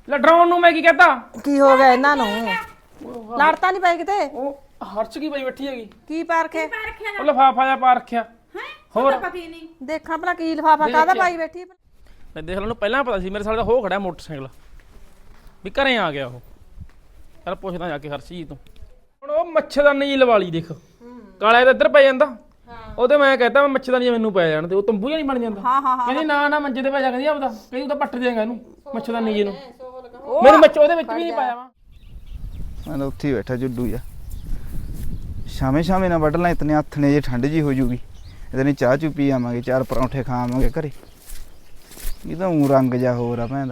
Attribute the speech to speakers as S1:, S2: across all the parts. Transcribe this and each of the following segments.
S1: ਲੈ ਡਰਾਉਣ ਨੂੰ ਮੈਂ ਕੀ ਕਹਤਾ?
S2: ਕੀ ਹੋ ਗਿਆ ਇਹਨਾਂ ਨੂੰ? ਲੜਤਾ ਨਹੀਂ ਪਈ ਕਿਤੇ?
S1: ਉਹ ਹਰਚ ਕੀ ਪਈ ਬੈਠੀ ਹੈਗੀ?
S2: ਕੀ ਪਾਰਖੇ?
S1: ਉਹ ਲਫਾਫਾ ਜਿਹਾ ਪਾ ਰੱਖਿਆ। ਹੋਰ
S3: ਪਤਾ ਹੀ ਨਹੀਂ।
S2: ਦੇਖਾਂ ਭਲਾ ਕੀ ਲਫਾਫਾ ਕਾਹਦਾ ਪਾਈ ਬੈਠੀ?
S1: ਮੈਂ ਦੇਖ ਲੈਨੂੰ ਪਹਿਲਾਂ ਪਤਾ ਸੀ ਮੇਰੇ ਸਾਲੇ ਦਾ ਹੋ ਖੜਾ ਮੋਟਰਸਾਈਕਲ ਵੀ ਘਰੇ ਆ ਗਿਆ ਉਹ। ਯਾਰ ਪੁੱਛਦਾ ਜਾ ਕੇ ਹਰਸ਼ੀ ਤੋਂ। ਹੁਣ ਉਹ ਮੱਛਰਦਾਨੀ ਜੀ ਲਵਾ ਲਈ ਦੇਖ, ਕਾਲਾ ਤਾਂ ਇੱਧਰ ਪੈ ਜਾਂਦਾ। ਉਹਦੇ ਮੈਂ ਕਹਤਾ ਮੈਂ ਮੱਛਰਦਾਨੀ ਮੈਨੂੰ ਪੈ ਜਾਣ ਤੇ ਉਹ ਤੰਬੂ ਜਿਹਾ ਨਹੀਂ ਬਣ ਜਾਂਦਾ। ਕਹਿੰਦੀ ਨਾ ਮੰਜੇ ਤੇ ਪੈ ਜਾ, ਕਹਿੰਦੀ ਆਪਦਾ ਕਹਿੰਦੀ ਉਹ ਤਾਂ ਪੱਟ ਦੇਗਾ ਇਹਨੂੰ ਮੱਛਰਦਾਨੀ ਜੀ ਨੂੰ। ਮੈਨੂੰ ਮੱਛ ਉਹਦੇ ਵਿੱਚ ਵੀ ਨਹੀਂ ਪਾਇਆ ਵਾ।
S4: ਮੈਂ ਤਾਂ ਉੱਥੇ ਹੀ ਬੈਠਾ ਜੁੱਡੂ ਜਾ। ਸ਼ਾਮੇ ਸ਼ਾਮੇ ਨਾ ਵੱਢ ਲਾਂ, ਇਤਨੇ ਹੱਥ ਨੇ ਜੇ ਠੰਡ ਜੀ ਹੋ ਜੂਗੀ। ਇਤਨੀ ਚਾਹ ਚੂ ਪੀ ਆਵਾਂਗੇ, 4 ਪਰੌਂਠੇ ਖਾ ਆਵਾਂਗੇ ਘਰੇ। ਇਹ ਤਾਂ ਊਂ ਰੰਗ ਜਾ ਹੋਰ ਆ ਭੈਣ ਦਾ।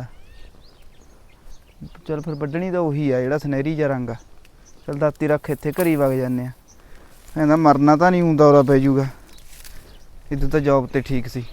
S4: ਚੱਲ ਫਿਰ ਵੱਢਣੀ ਤਾਂ ਉਹੀ ਆ ਜਿਹੜਾ ਸੁਨਹਿਰੀ ਜਿਹਾ ਰੰਗ ਆ। ਚੱਲ ਦਾਤੀ ਰੱਖ ਇੱਥੇ ਘਰੀ ਵਗ ਜਾਂਦੇ ਆ। ਕਹਿੰਦਾ ਮਰਨਾ ਤਾਂ ਨਹੀਂ, ਊਂ ਦੌਰਾ ਪੈ ਜੂਗਾ। ਇੱਧਰ ਤਾਂ ਜੌਬ ਤੇ ਠੀਕ ਸੀ।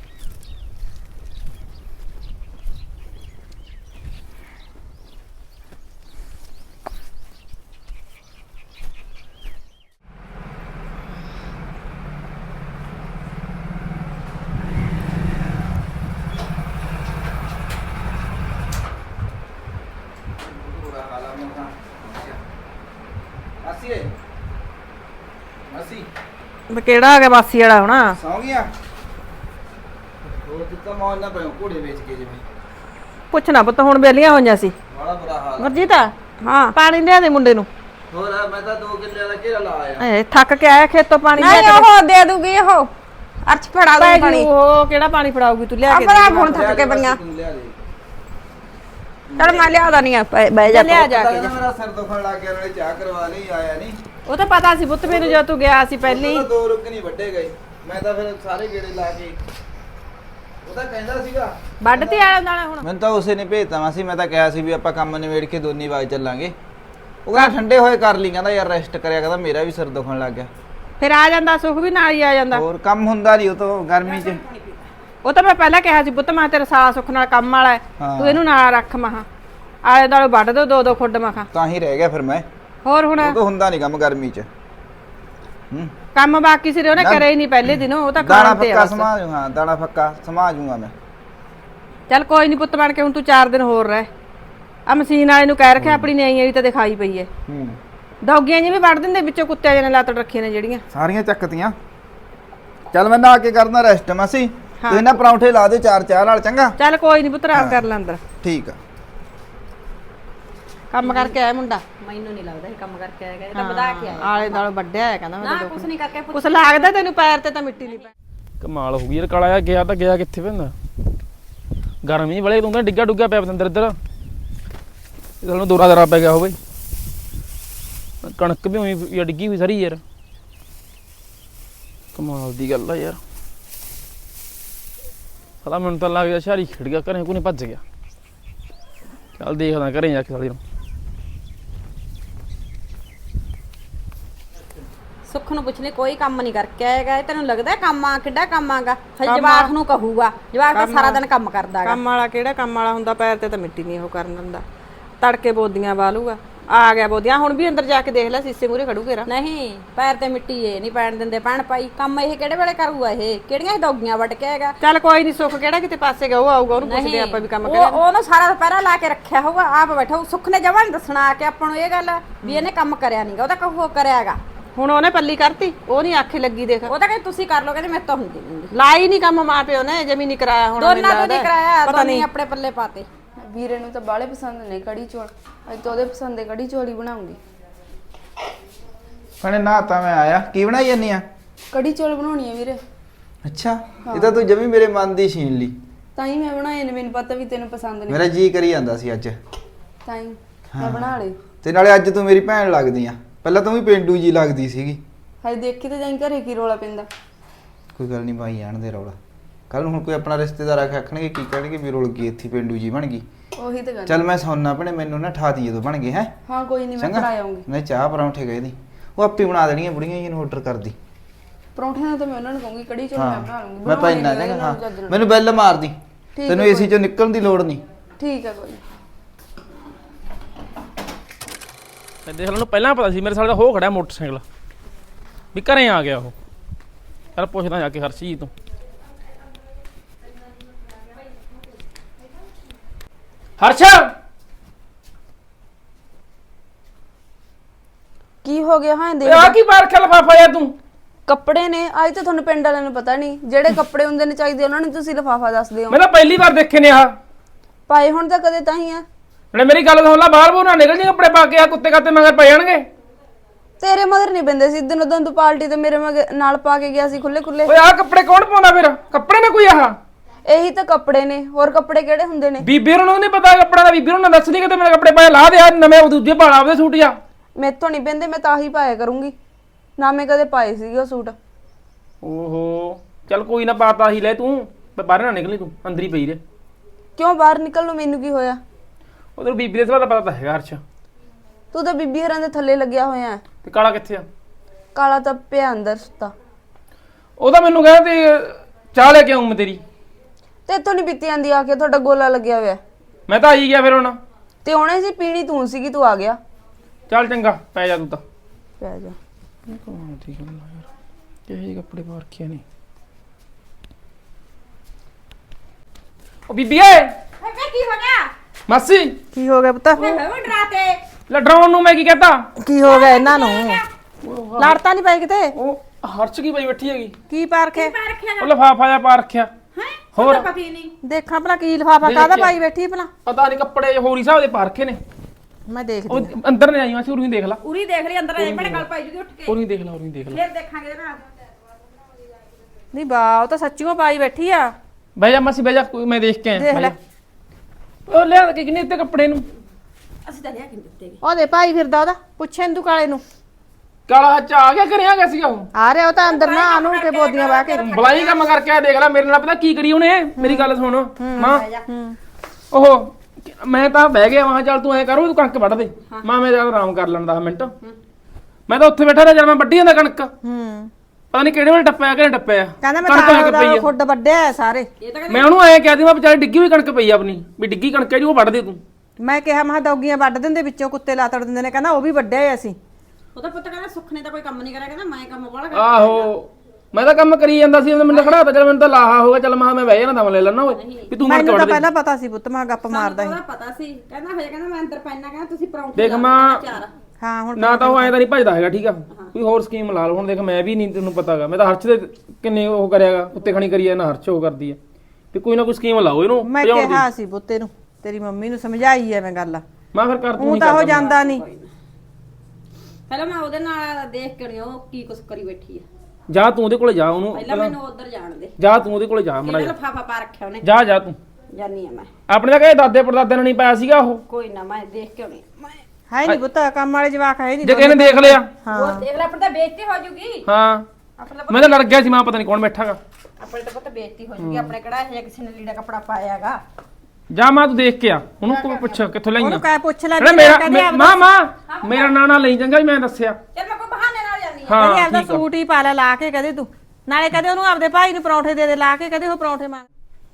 S2: ਕਿਹੜਾ ਆ ਗਿਆ ਬਾਸੀ ਵਾਲਾ ਹੁਣ?
S4: ਸੌਂ ਗਿਆ ਹੋਰ ਦਿੱਤਾ ਮੌਨ ਨਾ ਪਿਓ ਘੋੜੇ ਵੇਚ ਕੇ ਜਿਵੇਂ।
S2: ਪੁੱਛਣਾ ਪੁੱਤ, ਹੁਣ ਬੇਲੀਆਂ ਹੋਈਆਂ ਸੀ।
S4: ਬੜਾ ਬੁਰਾ ਹਾਲ।
S2: ਗੁਰਜੀਤ ਹਾਂ ਪਾਣੀ ਲਿਆ ਦੇ ਮੁੰਡੇ ਨੂੰ।
S4: ਹੋਰ ਮੈਂ ਤਾਂ 2 ਕਿੱਲੇ ਦਾ ਘੇਰਾ ਲਾ ਆਇਆ।
S2: ਥੱਕ ਕੇ ਆਇਆ ਖੇਤੋਂ ਪਾਣੀ ਲਿਆ
S3: ਨਹੀਂ ਉਹ ਦੇ ਦੂਗੀ ਉਹ ਅਰਚ ਫੜਾ ਦੂਗੀ ਪਾਣੀ।
S2: ਉਹ ਕਿਹੜਾ ਪਾਣੀ ਫੜਾਉਗੀ ਤੂੰ? ਲਿਆ ਕੇ
S3: ਆਪਣਾ ਹੁਣ ਥੱਕ ਕੇ ਬਣੀਆਂ।
S4: ਤੂੰ ਲਿਆ ਦੇ।
S3: ਚਲ ਮੈਂ ਲਿਆਦਾ ਨਹੀਂ ਬਹਿ ਜਾ।
S2: ਲਿਆ ਜਾ ਕੇ।
S4: ਮੇਰਾ ਸਿਰ ਦੁਖਣ ਲੱਗ ਗਿਆ, ਨਾਲੇ ਚਾਹ ਕਰਵਾ ਲਈ, ਆਇਆ ਨਹੀਂ।
S2: ਉਹ ਤਾਂ ਪਤਾ ਸੀ ਪੁੱਤ ਮੈਨੂੰ ਜਦੋਂ ਤੂੰ ਗਿਆ ਸੀ ਪਹਿਲੀ।
S4: 2 ਰੁੱਕ ਨਹੀਂ ਵੱਡੇ ਗਏ। ਮੈਂ ਤਾਂ ਫਿਰ ਸਾਰੇ ਗੇੜੇ ਲਾ ਕੇ ਉਹ ਤਾਂ ਕਹਿੰਦਾ ਸੀਗਾ
S2: ਵੱਢ ਤੇ ਆਇਆ ਨਾਲੇ ਹੁਣ।
S4: ਮੈਨੂੰ ਤਾਂ ਉਸੇ ਨੇ ਭੇਜਤਾ ਸੀ। ਮੈਂ ਤਾਂ ਕਿਹਾ ਸੀ ਵੀ ਆਪਾਂ ਕੰਮ ਨਿਬੇੜ ਕੇ ਦੋਨੀ ਵਾਜ ਚੱਲਾਂਗੇ। ਉਹ ਕਹਿੰਦਾ ਠੰਡੇ ਹੋਏ ਕਰ ਲਈ, ਕਹਿੰਦਾ ਯਾਰ ਰੈਸਟ ਕਰਿਆ, ਕਹਿੰਦਾ ਮੇਰਾ ਵੀ ਸਿਰ ਦੁਖਣ ਲੱਗ ਗਿਆ।
S2: ਫਿਰ ਆ ਜਾਂਦਾ ਸੁਖ ਵੀ ਨਾਲ ਹੀ ਆ ਜਾਂਦਾ।
S4: ਹੋਰ ਕੰਮ ਹੁੰਦਾ ਨਹੀਂ ਉਹ ਤਾਂ ਗਰਮੀ 'ਚ।
S2: ਉਹ ਤਾਂ ਮੈਂ ਪਹਿਲਾਂ ਕਿਹਾ ਸੀ ਪੁੱਤ, ਮੈਂ ਤੇਰਾ ਸਾਲਾ ਸੁੱਖ ਨਾਲ ਕੰਮ ਵਾਲਾ ਹੈ, ਤੂੰ ਇਹਨੂੰ ਨਾਲ ਰੱਖ। ਮਹਾ ਆਲੇ ਨਾਲ ਵੱਢ ਦੋ 2-2 ਫੁੱਟ ਮਖਾ।
S4: ਤਾਂ ਹੀ ਰਹਿ ਗਿਆ ਫਿਰ ਮੈਂ।
S2: ਹੋਰ ਹੁਣ
S4: ਉਹ ਤਾਂ ਹੁੰਦਾ ਨਹੀਂ ਕੰਮ ਗਰਮੀ 'ਚ।
S2: ਕੰਮ ਬਾਕੀ ਸਿਰੇ ਉਹਨੇ ਕਰਿਆ ਹੀ ਨਹੀਂ ਪਹਿਲੇ ਦਿਨੋਂ। ਉਹ ਤਾਂ
S4: ਦਾਣਾ
S2: ਖਾਣ ਤੇ
S4: ਫੱਕਾ
S2: ਆ।
S4: ਸਮਾ ਜੂ। ਹਾਂ ਦਾਣਾ ਫੱਕਾ ਸਮਾ ਜੂਗਾ ਮੈਂ।
S2: ਚੱਲ ਕੋਈ ਨਹੀਂ ਪੁੱਤ ਬਣ ਕੇ ਹੁਣ ਤੂੰ 4 ਦਿਨ ਹੋਰ ਰਹਿ। ਆ ਮਸ਼ੀਨ ਵਾਲੇ ਨੂੰ ਕਹਿ ਰੱਖਿਆ ਆਪਣੀ ਨਿਆਈ ਵਾਲੀ ਤਾਂ ਦਿਖਾਈ ਪਈ ਐ। ਡੌਗੀਆਂ ਜਿਵੇਂ ਵੱਢ ਦਿੰਦੇ ਵਿੱਚੋਂ ਕੁੱਤਿਆਂ ਜਿਹੇ ਨੇ ਲੱਤ ਰੱਖੀਆਂ ਨੇ ਜਿਹੜੀਆਂ
S4: ਸਾਰੀਆਂ ਚੱਕਤੀਆਂ। ਚੱਲ ਮੈਂ ਨਹਾ ਕੇ ਕਰਦਾ ਰੈਸਟ ਮਾਸੀ। ਤੂੰ ਇਹਨਾਂ ਪਰੌਂਠੇ ਲਾ ਦੇ 4 ਚਾਹ ਨਾਲ, ਚੰਗਾ?
S2: ਚੱਲ ਕੋਈ ਨਹੀਂ ਪੁੱਤ ਆਰਾਮ ਕਰ ਲੈ ਅੰਦਰ।
S4: ਠੀਕ ਆ।
S2: ਕੰਮ ਕਰਕੇ ਆਇਆ ਮੁੰਡਾ।
S3: ਮੈਨੂੰ ਨਹੀਂ ਲੱਗਦਾ ਇਹ ਕੰਮ ਕਰਕੇ ਆਏਗਾ। ਇਹ ਤਾਂ ਵਧਾ ਕੇ ਆਇਆ।
S2: ਆਲੇ ਨਾਲ ਵੱਢਿਆ ਹੈ ਕਹਿੰਦਾ
S3: ਨਾ ਕੁਛ ਨਹੀਂ ਕਰਕੇ
S2: ਕੁਛ ਲੱਗਦਾ ਤੈਨੂੰ ਪੈਰ ਤੇ ਤਾਂ ਮਿੱਟੀ ਨਹੀਂ ਪੈ।
S1: ਕਮਾਲ ਹੋ ਗਈ ਯਾਰ, ਕਾਲਾ ਗਿਆ ਤਾਂ ਗਿਆ ਕਿੱਥੇ ਪੈਂਦਾ? ਗਰਮੀ ਵਾਲੇ ਤੂੰ ਤਾਂ ਡਿੱਗਾ ਡੁੱਗਾ ਪਿਆ ਪਤੰਦਰ ਇੱਧਰ। ਇਹਦਾ ਨੂੰ ਦੌਰਾ ਪੈ ਗਿਆ ਹੋਵੇ। ਕਣਕ ਵੀ ਹੋਈ ਡਿੱਗੀ ਹੋਈ ਸਾਰੀ ਯਾਰ। ਕਮਾਲ ਦੀ ਗੱਲ ਆ ਯਾਰ। ਪਤਾ ਮੈਨੂੰ ਤਾਂ ਲੱਗ ਗਿਆ ਸ਼ਾਰੀ ਖਿੜ ਗਿਆ, ਘਰੇ ਕੋਈ ਨਹੀਂ ਭੱਜ ਗਿਆ। ਚੱਲ ਦੇਖਦਾ ਘਰੇ ਜਾ ਕੇ ਸਾਲੀ ਨੂੰ।
S3: ਸੁੱਖ ਨੂੰ ਪੁੱਛਨੇ ਕੋਈ ਕੰਮ ਨਹੀਂ ਕਰਕੇ ਆਏਗਾ। ਇਹ ਤੈਨੂੰ ਲੱਗਦਾ ਕੰਮ ਆ ਕਿੱਡਾ ਕੰਮ ਆਗਾ? ਹਜੇ ਜਵਾਕ ਨੂੰ ਕਹੂਗਾ। ਜਵਾਕ ਤਾਂ ਸਾਰਾ ਦਿਨ ਕੰਮ ਕਰਦਾ ਹੈਗਾ।
S2: ਕੰਮ ਵਾਲਾ ਕਿਹੜਾ ਕੰਮ ਵਾਲਾ ਹੁੰਦਾ? ਪੈਰ ਤੇ ਤਾਂ ਮਿੱਟੀ ਨਹੀਂ ਉਹ ਕਰਨ ਦਿੰਦਾ। ਤੜਕੇ ਬੋਦੀਆਂ ਵਾਲੂਗਾ। ਆ ਗਿਆ ਬੋਦੀਆਂ। ਹੁਣ ਵੀ ਅੰਦਰ ਜਾ ਕੇ ਦੇਖ ਲੈ, ਸੀਸੇ ਮੂਰੇ ਖੜੂ ਘੇਰਾ।
S3: ਨਹੀਂ ਪੈਰ ਤੇ ਮਿੱਟੀ ਇਹ ਨਹੀਂ ਪੈਣ ਦਿੰਦੇ। ਪੈਣ ਪਾਈ ਕੰਮ ਇਹ ਕਿਹੜੇ ਵੇਲੇ ਕਰੂਗਾ? ਇਹ ਕਿਹੜੀਆਂ ਡੌਗੀਆਂ ਵੱਢ ਕੇ ਆਏਗਾ?
S2: ਚੱਲ ਕੋਈ ਨਹੀਂ ਸੁੱਖ ਕਿਹੜਾ ਕਿਤੇ ਪਾਸੇ ਗਿਆ, ਉਹ ਆਊਗਾ, ਉਹਨੂੰ ਪੁੱਛਦੇ ਆਪਾਂ ਵੀ ਕੰਮ ਕਰਿਆ।
S3: ਉਹਨੂੰ ਸਾਰਾ ਦੁਪਹਿਰਾ ਲਾ ਕੇ ਰੱਖਿਆ ਹੋਊਗਾ। ਆਪ ਬੈਠਾ ਸੁੱਖ ਨੇ ਜਮਾਂ ਨੀ ਦੱਸਣਾ ਆ ਕੇ ਆਪਾਂ ਨੂੰ ਇਹ ਗੱਲ ਵੀ ਇਹਨੇ ਕੰਮ ਕਰਿਆ ਨਹੀਂਗਾ। ਉਹਦਾ ਕਹੋ ਕਰਿਆਗਾ।
S2: ਹੁਣ ਉਹਨੇ ਪੱਲੀ ਕਰਤੀ, ਉਹ ਨਹੀਂ ਆਖੇ ਲੱਗੀ। ਦੇਖ
S3: ਉਹ ਤਾਂ ਕਹਿੰਦੇ ਤੁਸੀਂ ਕਰ ਲਓ, ਕਹਿੰਦੇ ਮੇਰੇ ਤੋਂ ਹੁੰਦੀ ਨਹੀਂ।
S2: ਲਾਈ ਨਹੀਂ ਕੰਮ ਮਾਂ ਪਿਓ ਨੇ, ਜਮੀ ਨਹੀਂ ਕਰਾਇਆ। ਹੁਣ
S3: ਦੋਨਾਂ ਤੋਂ ਨਹੀਂ ਕਰਾਇਆ, ਦੋਨੇ ਆਪਣੇ ਪੱਲੇ ਪਾਤੇ।
S5: ਵੀਰੇ ਨੂੰ ਤਾਂ ਬਾਲੇ ਪਸੰਦ ਨੇ ਕੜੀ ਚੌਲ। ਅੱਜ ਤਾਂ ਉਹਦੇ ਪਸੰਦ ਦੇ ਕੜੀ ਚੌਲ ਹੀ ਬਣਾਉਂਗੀ।
S4: ਭੈਣੇ ਨਾ ਤਾਂ ਮੈਂ ਆਇਆ। ਕੀ ਬਣਾਈ ਜਾਨੀ ਆ?
S5: ਕੜੀ ਚੌਲ ਬਣਾਉਣੀ ਆ ਵੀਰੇ।
S4: ਅੱਛਾ, ਇਹ ਤਾਂ ਤੂੰ ਜਮੀ ਮੇਰੇ ਮਨ ਦੀ ਛੀਨ ਲਈ।
S5: ਤਾਂ ਹੀ ਮੈਂ ਬਣਾਏ ਨੇ, ਮੈਨੂੰ ਪਤਾ ਵੀ ਤੈਨੂੰ ਪਸੰਦ ਨੇ।
S4: ਮੇਰਾ ਜੀ ਕਰੀ ਜਾਂਦਾ ਸੀ ਅੱਜ।
S5: ਤਾਂ ਹੀ ਮੈਂ ਬਣਾ ਲਏ।
S4: ਤੇ ਨਾਲੇ ਅੱਜ ਤੂੰ ਮੇਰੀ ਭੈਣ ਲੱਗਦੀ ਆ। ਪਹਿਲਾਂ ਤੂੰ ਵੀ ਪੇਂਡੂ ਜੀ ਲੱਗਦੀ ਸੀਗੀ।
S5: ਹਾਏ ਦੇਖੀ ਤਾਂ ਜਾਈ ਘਰੇ ਕੀ ਰੋਲਾ ਪੈਂਦਾ।
S4: ਕੋਈ ਗੱਲ ਨਹੀਂ ਭਾਈ, ਆਣ ਦੇ ਰੌਲਾ। ਕੱਲ ਨੂੰ ਹੁਣ ਕੋਈ ਆਪਣਾ ਰਿਸ਼ਤੇਦਾਰ ਆ ਕੇ ਆਖਣਗੇ ਕੀ ਕਹਿਣਗੇ ਵੀ ਰੁਲ ਗਈ ਇੱਥੇ ਪੇਂਡੂ ਜੀ ਬਣ ਗਈ।
S5: ਉਹੀ ਤਾਂ ਗੱਲ।
S4: ਚੱਲ ਮੈਂ ਸੌਣਾ ਭੈਣੇ, ਮੈਨੂੰ ਨਾ ਠਾਤੀ ਜਦੋਂ ਬਣ ਗਏ। ਹੈ
S5: ਹਾਂ ਕੋਈ ਨਹੀਂ, ਮੈਂ ਬਣਾ ਆਉਂਗੀ।
S4: ਮੈਂ ਚਾਹ ਪਰੌਂਠੇ ਗਏ ਦੀ ਉਹ ਆਪੇ ਬਣਾ ਦੇਣੀਆਂ ਬੁੜੀਆਂ ਜੀ ਨੂੰ ਆਰਡਰ ਕਰਦੀ।
S5: ਪਰੌਂਠਿਆਂ ਦਾ ਤਾਂ ਮੈਂ ਉਹਨਾਂ ਨੂੰ ਕਹੂੰਗੀ, ਕੜੀ ਚੌਲ ਮੈਂ ਬਣਾ ਲੂੰਗੀ।
S4: ਮੈਂ ਪੈਣਾ ਚੰਗਾ। ਹਾਂ ਮੈਨੂੰ ਬੈਲ ਮਾਰਦੀ, ਤੈਨੂੰ ਏਸੀ ਚੋਂ ਨਿਕਲਣ ਦੀ ਲੋੜ ਨਹੀਂ।
S5: ਠੀਕ ਹੈ ਕੋਈ।
S1: ਮੈਂ ਦੇਖ ਲੈਨੂੰ ਪਹਿਲਾਂ ਪਤਾ ਸੀ ਮੇਰੇ ਸਾਲੇ ਦਾ ਹੋ ਖੜਾ ਮੋਟਰਸਾਈਕਲ ਵੀ ਘਰੇ ਆ ਗਿਆ ਉਹ। ਯਾਰ ਪੁੱਛਦਾ ਜਾ ਕੇ ਹਰਸ਼ੀ ਤੋਂ। ਹਰਸ਼
S5: ਹੋ ਗਿਆ ਹਾਂ
S1: ਓਏ ਆ ਕੀ ਪਾ ਰੱਖਿਆ ਲਫਾਫਾ ਯਾਰ ਤੂੰ?
S5: ਕੱਪੜੇ ਨੇ ਅੱਜ ਤਾਂ ਤੁਹਾਨੂੰ ਪਿੰਡ ਵਾਲਿਆਂ ਨੂੰ ਪਤਾ ਨਹੀਂ ਜਿਹੜੇ ਕੱਪੜੇ ਹੁੰਦੇ ਨੇ ਚਾਹੀਦੇ ਉਹਨਾਂ ਨੂੰ ਤੁਸੀਂ ਲਿਫਾਫਾ ਦੱਸਦੇ ਹੋ।
S1: ਮੈਂ ਤਾਂ ਪਹਿਲੀ ਵਾਰ ਦੇਖੇ ਨੇ ਆਹ।
S5: ਪਾਏ ਹੁਣ ਤਾਂ ਕਦੇ ਤਾਂ ਹੀ ਆ।
S1: ਨਾਲੇ ਮੇਰੀ ਗੱਲ ਸੁਣ ਲੈ, ਬਾਹਰ ਬੋਰ ਨਾ ਨਿਕਲ ਜੀ ਕੱਪੜੇ ਪਾ ਕੇ, ਆ ਕੁੱਤੇ ਕਾਤੇ ਮਗਰ ਪੈ ਜਾਣਗੇ।
S5: ਤੇਰੇ ਮਗਰ ਨਹੀਂ ਪੈਂਦੇ ਸੀ ਦਿਨ ਉਦੋਂ ਤੂੰ ਪਾਰਟੀ ਤੇ ਮੇਰੇ ਮਗਰ ਨਾਲ ਪਾ ਕੇ ਗਿਆ ਸੀ ਖੁੱਲੇ ਖੁੱਲੇ।
S1: ਓਏ ਆ ਕੱਪੜੇ ਕੌਣ ਪਾਉਂਦਾ ਫਿਰ? ਕੱਪੜੇ ਨੇ ਕੋਈ ਆਹ?
S5: ਇਹੀ ਤਾਂ ਕੱਪੜੇ ਨੇ, ਹੋਰ ਕੱਪੜੇ ਕਿਹੜੇ ਹੁੰਦੇ ਨੇ?
S1: ਬੀਬੀ ਹੋਰਾਂ ਨੂੰ ਨਹੀਂ ਪਤਾ ਕੱਪੜਾ ਦਾ? ਬੀਬੀ ਹੋਰਾਂ ਨੇ ਦੱਸਦੀ ਕਿ ਮੇਰੇ ਕੱਪੜੇ ਪਾਏ ਲਾ ਦੇ, ਆ ਨਵੇਂ ਦੂਜੇ ਪਾਲਾ ਆਪਦੇ ਸੂਟ ਜਾ।
S5: ਮੈਥੋਂ ਨਹੀਂ ਪੈਂਦੇ, ਮੈਂ ਤਾਂ ਹੀ ਪਾਇਆ ਕਰੂੰਗੀ ਨਾ, ਮੈਂ ਕਦੇ ਪਾਏ ਸੀਗੇ ਉਹ ਸੂਟ।
S1: ਓਹੋ ਚੱਲ ਕੋਈ ਨਾ, ਪਾਤਾ ਹੀ ਲੈ ਤੂੰ, ਬਾਹਰ ਨਾ ਨਿਕਲੀ ਤੂੰ, ਅੰਦਰ ਹੀ ਪਈ ਰਹੇ।
S5: ਕਿਉਂ ਬਾਹਰ ਨਿਕਲ ਨੂੰ, ਮੈਨੂੰ ਕੀ ਹੋਇਆ?
S1: ਉਧਰ ਬੀਬੀ ਦੇ ਸਵਾਲ ਦਾ ਪਤਾ ਤਾਂ ਹੈਗਾ ਹਰਸ਼।
S5: ਤੂੰ ਤਾਂ ਬੀਬੀ ਹਰਾਂ ਦੇ ਥੱਲੇ ਲੱਗਿਆ ਹੋਇਆ।
S1: ਤੇ ਕਾਲਾ ਕਿੱਥੇ ਆ?
S5: ਕਾਲਾ ਤਾਂ ਪਿਆ ਅੰਦਰ ਸੁੱਤਾ।
S1: ਉਹ ਤਾਂ ਮੈਨੂੰ ਕਹਿੰਦਾ ਤੇ ਚਾਹ ਲੈ ਕੇ ਆਉਂ ਮੈਂ ਤੇਰੀ।
S5: ਤੇ ਇੱਥੋਂ ਨਹੀਂ ਪੀਤੀ ਜਾਂਦੀ, ਆ ਕੇ ਤੁਹਾਡਾ ਗੋਲਾ ਲੱਗਿਆ ਹੋਇਆ।
S1: ਮੈਂ ਤਾਂ ਆਈ ਗਿਆ ਫਿਰ ਹੁਣ।
S5: ਤੇ ਉਹਨੇ ਸੀ ਪੀਣੀ ਤੂੰ ਸੀਗੀ, ਤੂੰ ਆ ਗਿਆ।
S1: ਚੱਲ ਚੰਗਾ ਪੈ ਜਾ ਤੂੰ ਤਾਂ।
S5: ਪੈ ਜਾ।
S1: ਠੀਕ ਹੈ ਯਾਰ, ਕਿਹੋ ਜਿਹੇ ਕੱਪੜੇ ਪਾ ਰੱਖੇ ਨੇ। ਉਹ ਬੀਬੀ ਏ
S3: ਕੀ ਹੋ ਗਿਆ?
S1: ਮਾਸੀ
S2: ਕੀ ਹੋ ਗਿਆ ਪੁੱਤ?
S3: ਉਹ ਡਰਾਤੇ
S1: ਲੈ ਡਰਾਉਣ ਨੂੰ ਮੈਂ ਕੀ ਕਹਤਾ?
S2: ਕੀ ਹੋ ਗਿਆ ਇਹਨਾਂ ਨੂੰ? ਲੜਤਾ ਨਹੀਂ ਪਈ ਕਿਤੇ?
S1: ਉਹ ਹਰਸ਼ ਕੀ ਪਈ ਬੈਠੀ ਹੈਗੀ?
S2: ਕੀ ਪਾ ਰੱਖਿਆ?
S1: ਉਹ ਲਫਾਫਾ ਜਿਹਾ ਪਾ ਰੱਖਿਆ। ਹੋਰ
S3: ਪਤਾ ਹੀ ਨਹੀਂ।
S2: ਦੇਖਾਂ ਭਲਾ ਕੀ ਲਿਫਾਫਾ ਕਾਹਦਾ ਪਾਈ ਬੈਠੀ ਭਲਾ?
S1: ਪਤਾ ਨਹੀਂ, ਕੱਪੜੇ ਹੋਰ ਹਿਸਾਬ ਦੇ ਪਾ ਰੱਖੇ ਨੇ।
S2: ਮੈਂ ਦੇਖਦੀ
S1: ਉਹ ਅੰਦਰ ਨੇ ਆਈ ਮਾਸੀ, ਉਰੀ ਦੇਖ ਲਾ,
S3: ਉਰੀ ਦੇਖ ਲਈ, ਅੰਦਰ ਆਏ ਬੜੇ ਗੱਲ ਪਾਈ ਜੂਗੀ ਉੱਠ ਕੇ।
S1: ਉਰੀ ਦੇਖ ਲਾ, ਉਰੀ ਦੇਖ ਲਾ।
S3: ਫਿਰ ਦੇਖਾਂਗੇ ਇਹਦੇ ਨਾਲ।
S2: ਨਹੀਂ ਬਾ, ਉਹ ਤਾਂ ਸੱਚੀਓ ਪਾਈ ਬੈਠੀ ਆ।
S1: ਬਹਿ ਜਾ ਮਾਸੀ ਬਹਿ ਜਾ, ਕੋਈ ਮੈਂ ਦੇਖ ਕੇ ਆਇਆ।
S2: ਦੇਖ ਲੈ।
S1: ਉਹ ਲਿਆ ਕੇ ਕਿੰਨੇ ਉੱਤੇ ਕੱਪੜੇ ਨੂੰ?
S3: ਅਸੀਂ ਤਾਂ ਲਿਆ ਕੇ ਦਿੱਤੇ ਗਏ।
S2: ਉਹਦੇ ਭਾਈ ਫਿਰਦਾ ਉਹਦਾ, ਪੁੱਛੇ ਤੂੰ ਕਾਲੇ ਨੂੰ।
S1: ਕਾਲਾ ਚ ਆ ਗਿਆ, ਕਰਿਆ ਗਿਆ ਸੀਗਾ ਉਹ।
S2: ਆ ਰਿਹਾ ਉਹ ਤਾਂ ਅੰਦਰ ਨਾ ਆਨੂੰ ਕੇ ਬੋਦੀਆਂ ਵਾਹ ਕੇ।
S1: ਬਲਾਈ ਕੰਮ ਕਰਕੇ ਆ, ਦੇਖ ਲੈ ਮੇਰੇ ਨਾਲ ਪਤਾ ਕੀ ਕਰੀ ਉਹਨੇ। ਮੇਰੀ ਗੱਲ ਸੁਣ ਮਾਂ, ਉਹ ਮੈਂ ਤਾਂ ਬਹਿ ਗਿਆ ਵਾਂ, ਚੱਲ ਤੂੰ ਐ ਕਰ, ਤੂੰ ਕਣਕ ਵੱਢ ਦੇ। ਮਾਂ ਮੈਂ ਜਦ ਆਰਾਮ ਕਰ ਲੈਣ 10 ਮਿੰਟ। ਮੈਂ ਤਾਂ ਉੱਥੇ ਬੈਠਾ ਰਿਹਾ ਜਦ ਮੈਂ ਵੱਢੀ ਜਾਂਦਾ ਕਣਕ। ਪਤਾ ਨਹੀਂ ਕਿਹੜੇ ਵੇਲੇ ਟੱਪਿਆ, ਕਿਹਨੇ ਟੱਪਿਆ।
S2: ਕਹਿੰਦਾ ਮੈਂ
S1: ਕਣਕ
S2: ਤਾਂ
S1: ਲੱਗ ਪਈ
S2: ਉਹਦਾ
S1: ਆ।
S2: ਖੁੱਡ ਵੱਢਿਆ ਸਾਰੇ।
S1: ਮੈਂ ਉਹਨੂੰ ਐ ਕਹਿ ਦੀ, ਮੈਂ ਵਿਚਾਰੀ ਡਿੱਗੀ ਹੋਈ ਕਣਕ ਪਈ ਆ ਆਪਣੀ, ਵੀ ਡਿੱਗੀ ਕਣਕ ਹੈ ਜੀ, ਉਹ ਵੱਢ ਦੇ ਤੂੰ।
S2: ਮੈਂ ਕਿਹਾ ਮੈਂ ਦੌਗੀਆਂ ਵੱਢ ਦਿੰਦੇ, ਵਿੱਚੋਂ ਕੁੱਤੇ ਲਾਤੜ ਦਿੰਦੇ ਨੇ। ਕਹਿੰਦਾ ਉਹ ਵੀ ਵੱਢਿਆ ਅਸੀਂ।
S3: ਉਹਦਾ ਪੁੱਤ ਕਹਿੰਦਾ ਸੁੱਖ ਨੇ ਤਾਂ ਕੋਈ ਕੰਮ ਨਹੀਂ ਕਰਿਆ, ਕਹਿੰਦਾ ਮੈਂ ਕੰਮ ਬੜਾ ਕਰ।
S1: ਆਹੋ ਮੈਂ ਤਾਂ ਕੰਮ ਕਰੀ ਜਾਂਦਾ ਸੀ, ਮੈਨੂੰ ਖੜਾਤਾ। ਚੱਲ ਮੈਨੂੰ ਤਾਂ ਲਾਹਾ ਹੋਗਾ, ਚੱਲ ਮੈਂ ਬਹਿ ਜਾਣਾ, ਦਮ ਲੈ ਲੈਣਾ ਓਏ ਵੀ ਤੂੰ ਮਰ ਕੇ
S2: ਮੈਨੂੰ
S1: ਵੱਢ
S2: ਤਾਂ
S1: ਦੇ।
S2: ਪਹਿਲਾਂ ਪਤਾ ਸੀ ਪੁੱਤ, ਮੈਂ ਗੱਪ ਮਾਰਦਾ ਸੀ।
S3: ਉਹਦਾ ਪਤਾ ਸੀ, ਕਹਿੰਦਾ ਹੋਇਆ, ਕਹਿੰਦਾ ਮੈਂ ਅੰਦਰ ਪੈਣਾ, ਕਹਿੰਦਾ ਤੁਸੀਂ ਪਰੌਂਠੇ
S1: ਦੇਖ ਮਾਂ,
S2: ਹਾਂ ਹੁਣ
S1: ਨਾ ਤਾਂ ਉਹ ਐਂ ਤਾਂ ਨਹੀਂ ਭਜਦਾ ਹੈਗਾ, ਠੀਕ ਆ। ਕੋਈ ਹੋਰ ਸਕੀਮ ਲਾ ਲਓ। ਹੁਣ ਦੇਖ ਮੈਂ ਵੀ ਨਹੀਂ, ਤੈਨੂੰ ਪਤਾਗਾ, ਮੈਂ ਤਾਂ ਹਰਚ ਦੇ ਕਿੰਨੇ ਉਹ ਕਰਿਆਗਾ, ਉੱਤੇ ਖਣੀ ਕਰੀ ਆ ਨਾ, ਹਰਚ ਉਹ ਕਰਦੀ ਆ। ਵੀ ਕੋਈ ਨਾ ਕੋਈ ਸਕੀਮ ਲਾਓ ਇਹਨੂੰ
S2: ਮੈਂ
S1: ਭਜਾਉਣ ਦੀ।
S2: ਕਿਹਾ ਸੀ ਪੁੱਤੇ ਨੂੰ, ਤੇਰੀ ਮੰਮੀ ਨੂੰ ਸਮਝਾਈ ਐ ਮੈਂ ਗੱਲ।
S1: ਮੈਂ ਫਿਰ ਕਰ
S2: ਉਹ
S1: ਤੂੰ
S2: ਤਾਂ ਉਹ ਜਾਂਦਾ ਨਹੀਂ।
S3: ਪਹਿਲਾਂ ਮੈਂ ਉਹਦੇ ਨਾਲ ਦੇਖ ਕੇ ਉਹ ਕੀ ਕੁਛ ਕਰੀ ਬੈਠੀ ਆ।
S1: ਜਾ ਤੂੰ ਉਹਦੇ ਕੋਲੇ ਜਾ, ਉਹਨੂੰ
S3: ਪਹਿਲਾਂ ਮੈਨੂੰ ਉਧਰ ਜਾਣ ਦੇ।
S1: ਜਾ ਤੂੰ ਉਹਦੇ ਕੋਲੇ ਜਾ ਮੜਾ
S3: ਇਹਦਾ ਲਫਾਫਾ ਪਾ ਰੱਖਿਆ ਉਹਨੇ।
S1: ਜਾ ਜਾ ਤੂੰ।
S3: ਜਾਨੀ ਆ ਮੈਂ।
S1: ਆਪਣੇ ਤਾਂ ਕਹੇ ਦਾਦੇ ਪੜਦਾਦੇ ਨੇ ਨਹੀਂ ਪਾਇਆ ਸੀਗਾ ਉਹ।
S3: ਕੋਈ ਨਾ, ਮੈਂ ਦੇਖ ਕੇ ਆਉਣੀ। ਮੈਂ
S2: ਹੈ ਨਹੀਂ ਪੁੱਤ, ਕੰਮ ਵਾਲੇ ਜਵਾਕ ਹੈ ਨਹੀਂ।
S1: ਜੇ ਕਿਸੇ ਨੇ ਦੇਖ ਲਿਆ
S3: ਉਹ ਦੇਖ ਲੈ, ਆਪਣੇ ਤਾਂ ਬੇਇੱਜ਼ਤੀ ਹੋ ਜੂਗੀ।
S1: ਹਾਂ,
S3: ਆਪਣੇ
S1: ਮੈਂ ਤਾਂ ਲੜ ਗਿਆ ਸੀ, ਮਾਂ ਪਤਾ ਨਹੀਂ ਕੌਣ ਬੈਠਾਗਾ।
S3: ਆਪਣੇ ਤਾਂ ਪੁੱਤ ਬੇਇੱਜ਼ਤੀ ਹੋ ਜੂਗੀ। ਆਪਣੇ ਕਿਹੜਾ ਇਹ ਕਿਸੇ ਨੇ ਲੀੜਾ ਕੱਪੜਾ ਪਾਇਆਗਾ।
S1: ਜਾ ਮਾਂ ਤੂੰ ਦੇਖ ਕੇ ਆ, ਉਹਨੂੰ ਪੁੱਛ ਕਿੱਥੋਂ ਲਈਆਂ।
S2: ਉਹਨੂੰ ਕਹਿ ਪੁੱਛ ਲੈ
S1: ਮਾਂ ਮੇਰਾ ਨਾਂ ਲਈ ਚੰਗਾ ਵੀ ਮੈਂ ਦੱਸਿਆ।
S3: ਚੱਲ ਮੈਂ ਕੋਈ ਬਹਾਨੇ ਨਾਲ ਜਾਨੀ ਆ।
S2: ਕਹਿੰਦੀ
S1: ਹਾਂ
S2: ਆਪਦਾ
S1: ਠੀਕ ਆ।
S2: ਸੂਟ ਹੀ ਪਾ ਲੈ ਲਾ ਕੇ, ਕਦੇ ਤੂੰ ਨਾਲੇ ਕਦੇ ਉਹਨੂੰ ਆਪਦੇ ਭਾਈ ਨੂੰ ਪਰੌਂਠੇ ਦੇ ਦੇ ਲਾ ਕੇ, ਕਦੇ ਉਹ ਪਰੌਂਠੇ ਮੰਗ।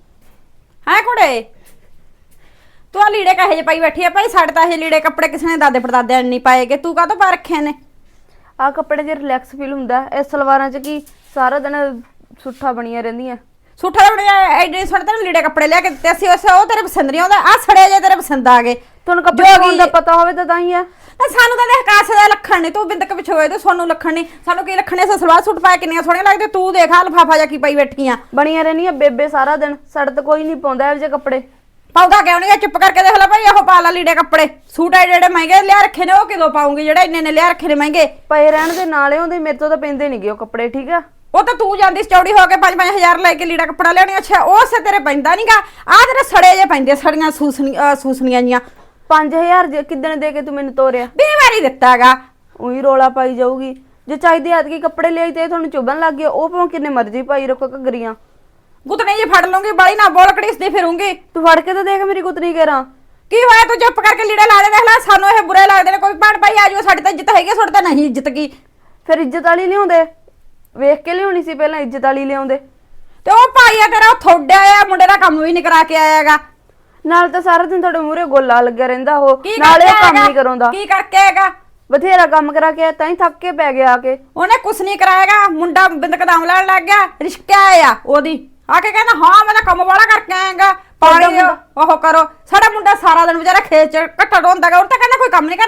S3: ਹੈ ਕੁੜੇ, ਤੂੰ ਆ ਲੀੜੇ ਕਹੇ ਜੇ ਪਾਈ ਬੈਠੀ ਆ? ਭਾਈ ਸਾਡੇ ਤਾਂ ਇਹ ਲੀੜੇ ਕੱਪੜੇ ਕਿਸੇ ਨੇ ਦਾਦੇ ਪੜਦਾਦਿਆਂ ਨੇ ਨਹੀਂ ਪਾਏਗੇ, ਤੂੰ ਕਾਹਤੋਂ ਪਾ ਰੱਖੇ ਨੇ?
S5: ਆ ਕੱਪੜੇ 'ਚ ਰਿਲੈਕਸ ਫੀਲ ਹੁੰਦਾ। ਇਹ ਸਲਵਾਰਾਂ 'ਚ ਕੀ ਸਾਰਾ ਦਿਨ ਸੁੱਠਾ ਬਣੀਆਂ ਰਹਿੰਦੀਆਂ।
S3: ਸੂਠਾ ਦੇ ਬੜੇ ਐਡੇ ਸੋਹਣੇ ਤੈਨੂੰ ਲੀੜੇ ਕੱਪੜੇ ਲਿਆ ਕੇ ਦਿੱਤੇ ਸੀ, ਉਹ ਤੇਰੇ ਪਸੰਦ ਨਹੀਂ ਆਉਂਦਾ। ਆ ਸੜੇ ਜੇ ਤੇਰੇ ਪਸੰਦ ਆ ਗਏ।
S5: ਤੁਹਾਨੂੰ ਕੱਪੜੇ ਪਾਉਣ ਦਾ ਪਤਾ ਹੋਵੇ ਤਾਂ ਹੀ ਆ।
S3: ਸਾਨੂੰ ਤਾਂ ਦੇਖ ਕਾਸੇ ਦਾ ਲੱਖਣ ਨਹੀਂ, ਤੂੰ ਬਿੰਦਕ ਪਿਛੋਏ ਤੇ ਸਾਨੂੰ ਲੱਖਣ ਨਹੀਂ। ਸਾਨੂੰ ਕੀ ਲੱਖਣੇ? ਸਲਵਾਰ ਸੂਟ ਪਾਇਆ ਕਿੰਨੀਆਂ ਸੋਹਣੀਆਂ ਲੱਗਦੇ। ਤੂੰ ਦੇਖ ਆ ਲਫਾਫਾ ਜਾ ਕੀ ਪਾਈ ਬੈਠੀ ਆ।
S5: ਬਣੀਆਂ ਰਹਿੰਦੀਆਂ ਬੇਬੇ ਸਾਰਾ ਦਿਨ। ਸਾਡੇ ਤਾਂ ਕੋਈ ਨਹੀਂ ਪਾਉਂਦਾ ਇਹੋ ਜਿਹੇ ਕੱਪੜੇ।
S3: ਪਾਉਂਦਾ ਕਿਉਂ ਨਹੀਂ? ਚੁੱਪ ਕਰਕੇ ਦੇਖ ਲੈ ਭਾਈ, ਉਹ ਪਾ ਲਾ ਲੀੜੇ ਕੱਪੜੇ। ਸੂਟ ਐਡੇ ਐਡੇ ਮਹਿੰਗੇ ਲਿਆ ਰੱਖੇ ਨੇ, ਉਹ ਕਿਦੋਂ ਪਾਉਂਗੀ ਜਿਹੜੇ ਇੰਨੇ ਨੇ ਲਿਆ ਰੱਖੇ ਨੇ ਮਹਿੰਗੇ?
S5: ਪਏ ਰਹਿਣ ਦੇ ਨਾਲੇ ਉਹਦੇ, ਮੇਰੇ ਤੋਂ ਤਾਂ ਪੈਂਦੇ ਨਹੀਂਗੇ ਉਹ ਕੱਪੜੇ, ਠੀਕ ਆ।
S3: ਉਹ ਤਾਂ ਤੂੰ ਜਾਂਦੀ ਚੌੜੀ ਹੋ ਕੇ 5-5000 ਲੈ ਕੇ ਲੀੜਾ ਕੱਪੜਾ ਲਿਆਉਣੀ। ਅੱਛਾ ਉਹ ਸੇ ਤੇਰੇ ਪੈਂਦਾ ਨਹੀਂਗਾ। ਆ ਤੇਰੇ ਸੜੇ ਜੇ ਪੈਂਦੇ, ਸੜੀਆਂ ਸੂਸਣੀਆਂ ਜੀਆਂ।
S5: 5000 ਕਿੱਦਣ ਦੇ ਕੇ ਤੂੰ ਮੈਨੂੰ ਤੋਰਿਆ?
S3: 20 ਵਾਰੀ ਦਿੱਤਾਗਾ।
S5: ਉਹੀ ਰੋਲਾ ਪਾਈ ਜਾਊਗੀ। ਜੇ ਚਾਹੀਦੀ ਐਤਕੀ ਕੱਪੜੇ ਲਿਆਈ ਤੇ ਤੁਹਾਨੂੰ ਚੁੱਭਣ ਲੱਗ ਗਿਆ, ਉਹ ਭਾਵੇਂ ਕਿੰਨੇ ਮਰਜ਼ੀ ਪਾਈ ਰੱਖੋ ਘੱਗਰੀਆਂ।
S3: ਗੁੱਤਣੀ ਜੇ ਫੜ ਲੂੰਗੀ, ਬਾਲੀ ਨਾ ਬੋਲ ਕੜੀਸਦੀ ਫਿਰੂੰਗੀ।
S5: ਤੂੰ ਫੜ ਕੇ ਤਾਂ ਦੇਖ ਮੇਰੀ ਗੁੱਤਨੀ ਕੇਰਾਂ।
S3: ਕੀ ਹੋਇਆ? ਤੂੰ ਚੁੱਪ ਕਰਕੇ ਲੀੜੇ ਲਾ ਦੇ। ਦੇਖ ਲੈ ਸਾਨੂੰ ਇਹ ਬੁਰੇ ਲੱਗਦੇ ਨੇ। ਕੋਈ ਭੈਣ ਭਾਈ ਆ ਜਾਓ, ਸਾਡੀ ਤਾਂ ਇੱਜ਼ਤ ਹੈਗੀ, ਤੁਹਾਡੀ ਤਾਂ ਨਹੀਂ ਇੱਜ਼ਤ ਕੀ।
S5: ਫਿਰ ਇੱਜ਼ਤ ਵਾਲੀ ਲਿਆਉਂਦੇ, ਵੇਖ ਕੇ ਲਿਆਉਣੀ ਸੀ ਪਹਿਲਾਂ, ਇੱਜ਼ਤ ਵਾਲੀ ਲਿਆਉਂਦੇ।
S3: ਤੇ ਉਹ ਭਾਈ ਆ ਤੇਰਾ ਥੋੜਿਆ ਆ ਮੁੰਡੇ ਦਾ ਕੰਮ ਵੀ ਨਹੀਂ ਕਰਾ ਕੇ ਆਇਆਗਾ।
S5: ਨਾਲ ਤਾਂ ਸਾਰਾ ਦਿਨ ਤੁਹਾਡੇ ਮੂਹਰੇ ਗੋਲਾ ਲੱਗਿਆ ਰਹਿੰਦਾ ਉਹ,
S3: ਕੀ
S5: ਨਾਲੇ
S3: ਕਰਕੇ
S5: ਕੰਮ
S3: ਆਏਗਾ?
S5: ਨਹੀਂ ਕਰਾਉਂਦਾ।
S3: ਕੀ ਕਰਕੇ ਆਏਗਾ?
S5: ਬਥੇਰਾ ਕੰਮ ਕਰਾ ਕੇ ਤਾਂ ਹੀ ਥੱਕ ਕੇ ਪੈ ਗਿਆ ਆ ਕੇ।
S3: ਉਹਨੇ ਕੁਛ ਨਹੀਂ ਕਰਾਏਗਾ। ਮੁੰਡਾ ਬਿੰਦਕ ਦਾਮ ਲੈਣ ਲੱਗ ਗਿਆ, ਰਿਸ਼ਕਾ ਆ ਉਹਦੀ ਆ ਕੇ ਕਹਿੰਦਾ ਹਾਂ ਮੈਂ ਤਾਂ ਕੰਮ ਵਾਲਾ ਕਰਕੇ ਆਏਗਾ। ਪਾਣੀ ਉਹ ਕਰੋ। ਸਾਡਾ ਮੁੰਡਾ ਸਾਰਾ ਦਿਨ ਵਿਚਾਰਾ ਖੇਤ ਚ ਘੱਟਾ ਢੋਂਦਾਗਾ। ਉਹ ਤਾਂ ਕਹਿੰਦਾ ਕੋਈ ਕੰਮ ਨਹੀਂ ਕਰਦਾ।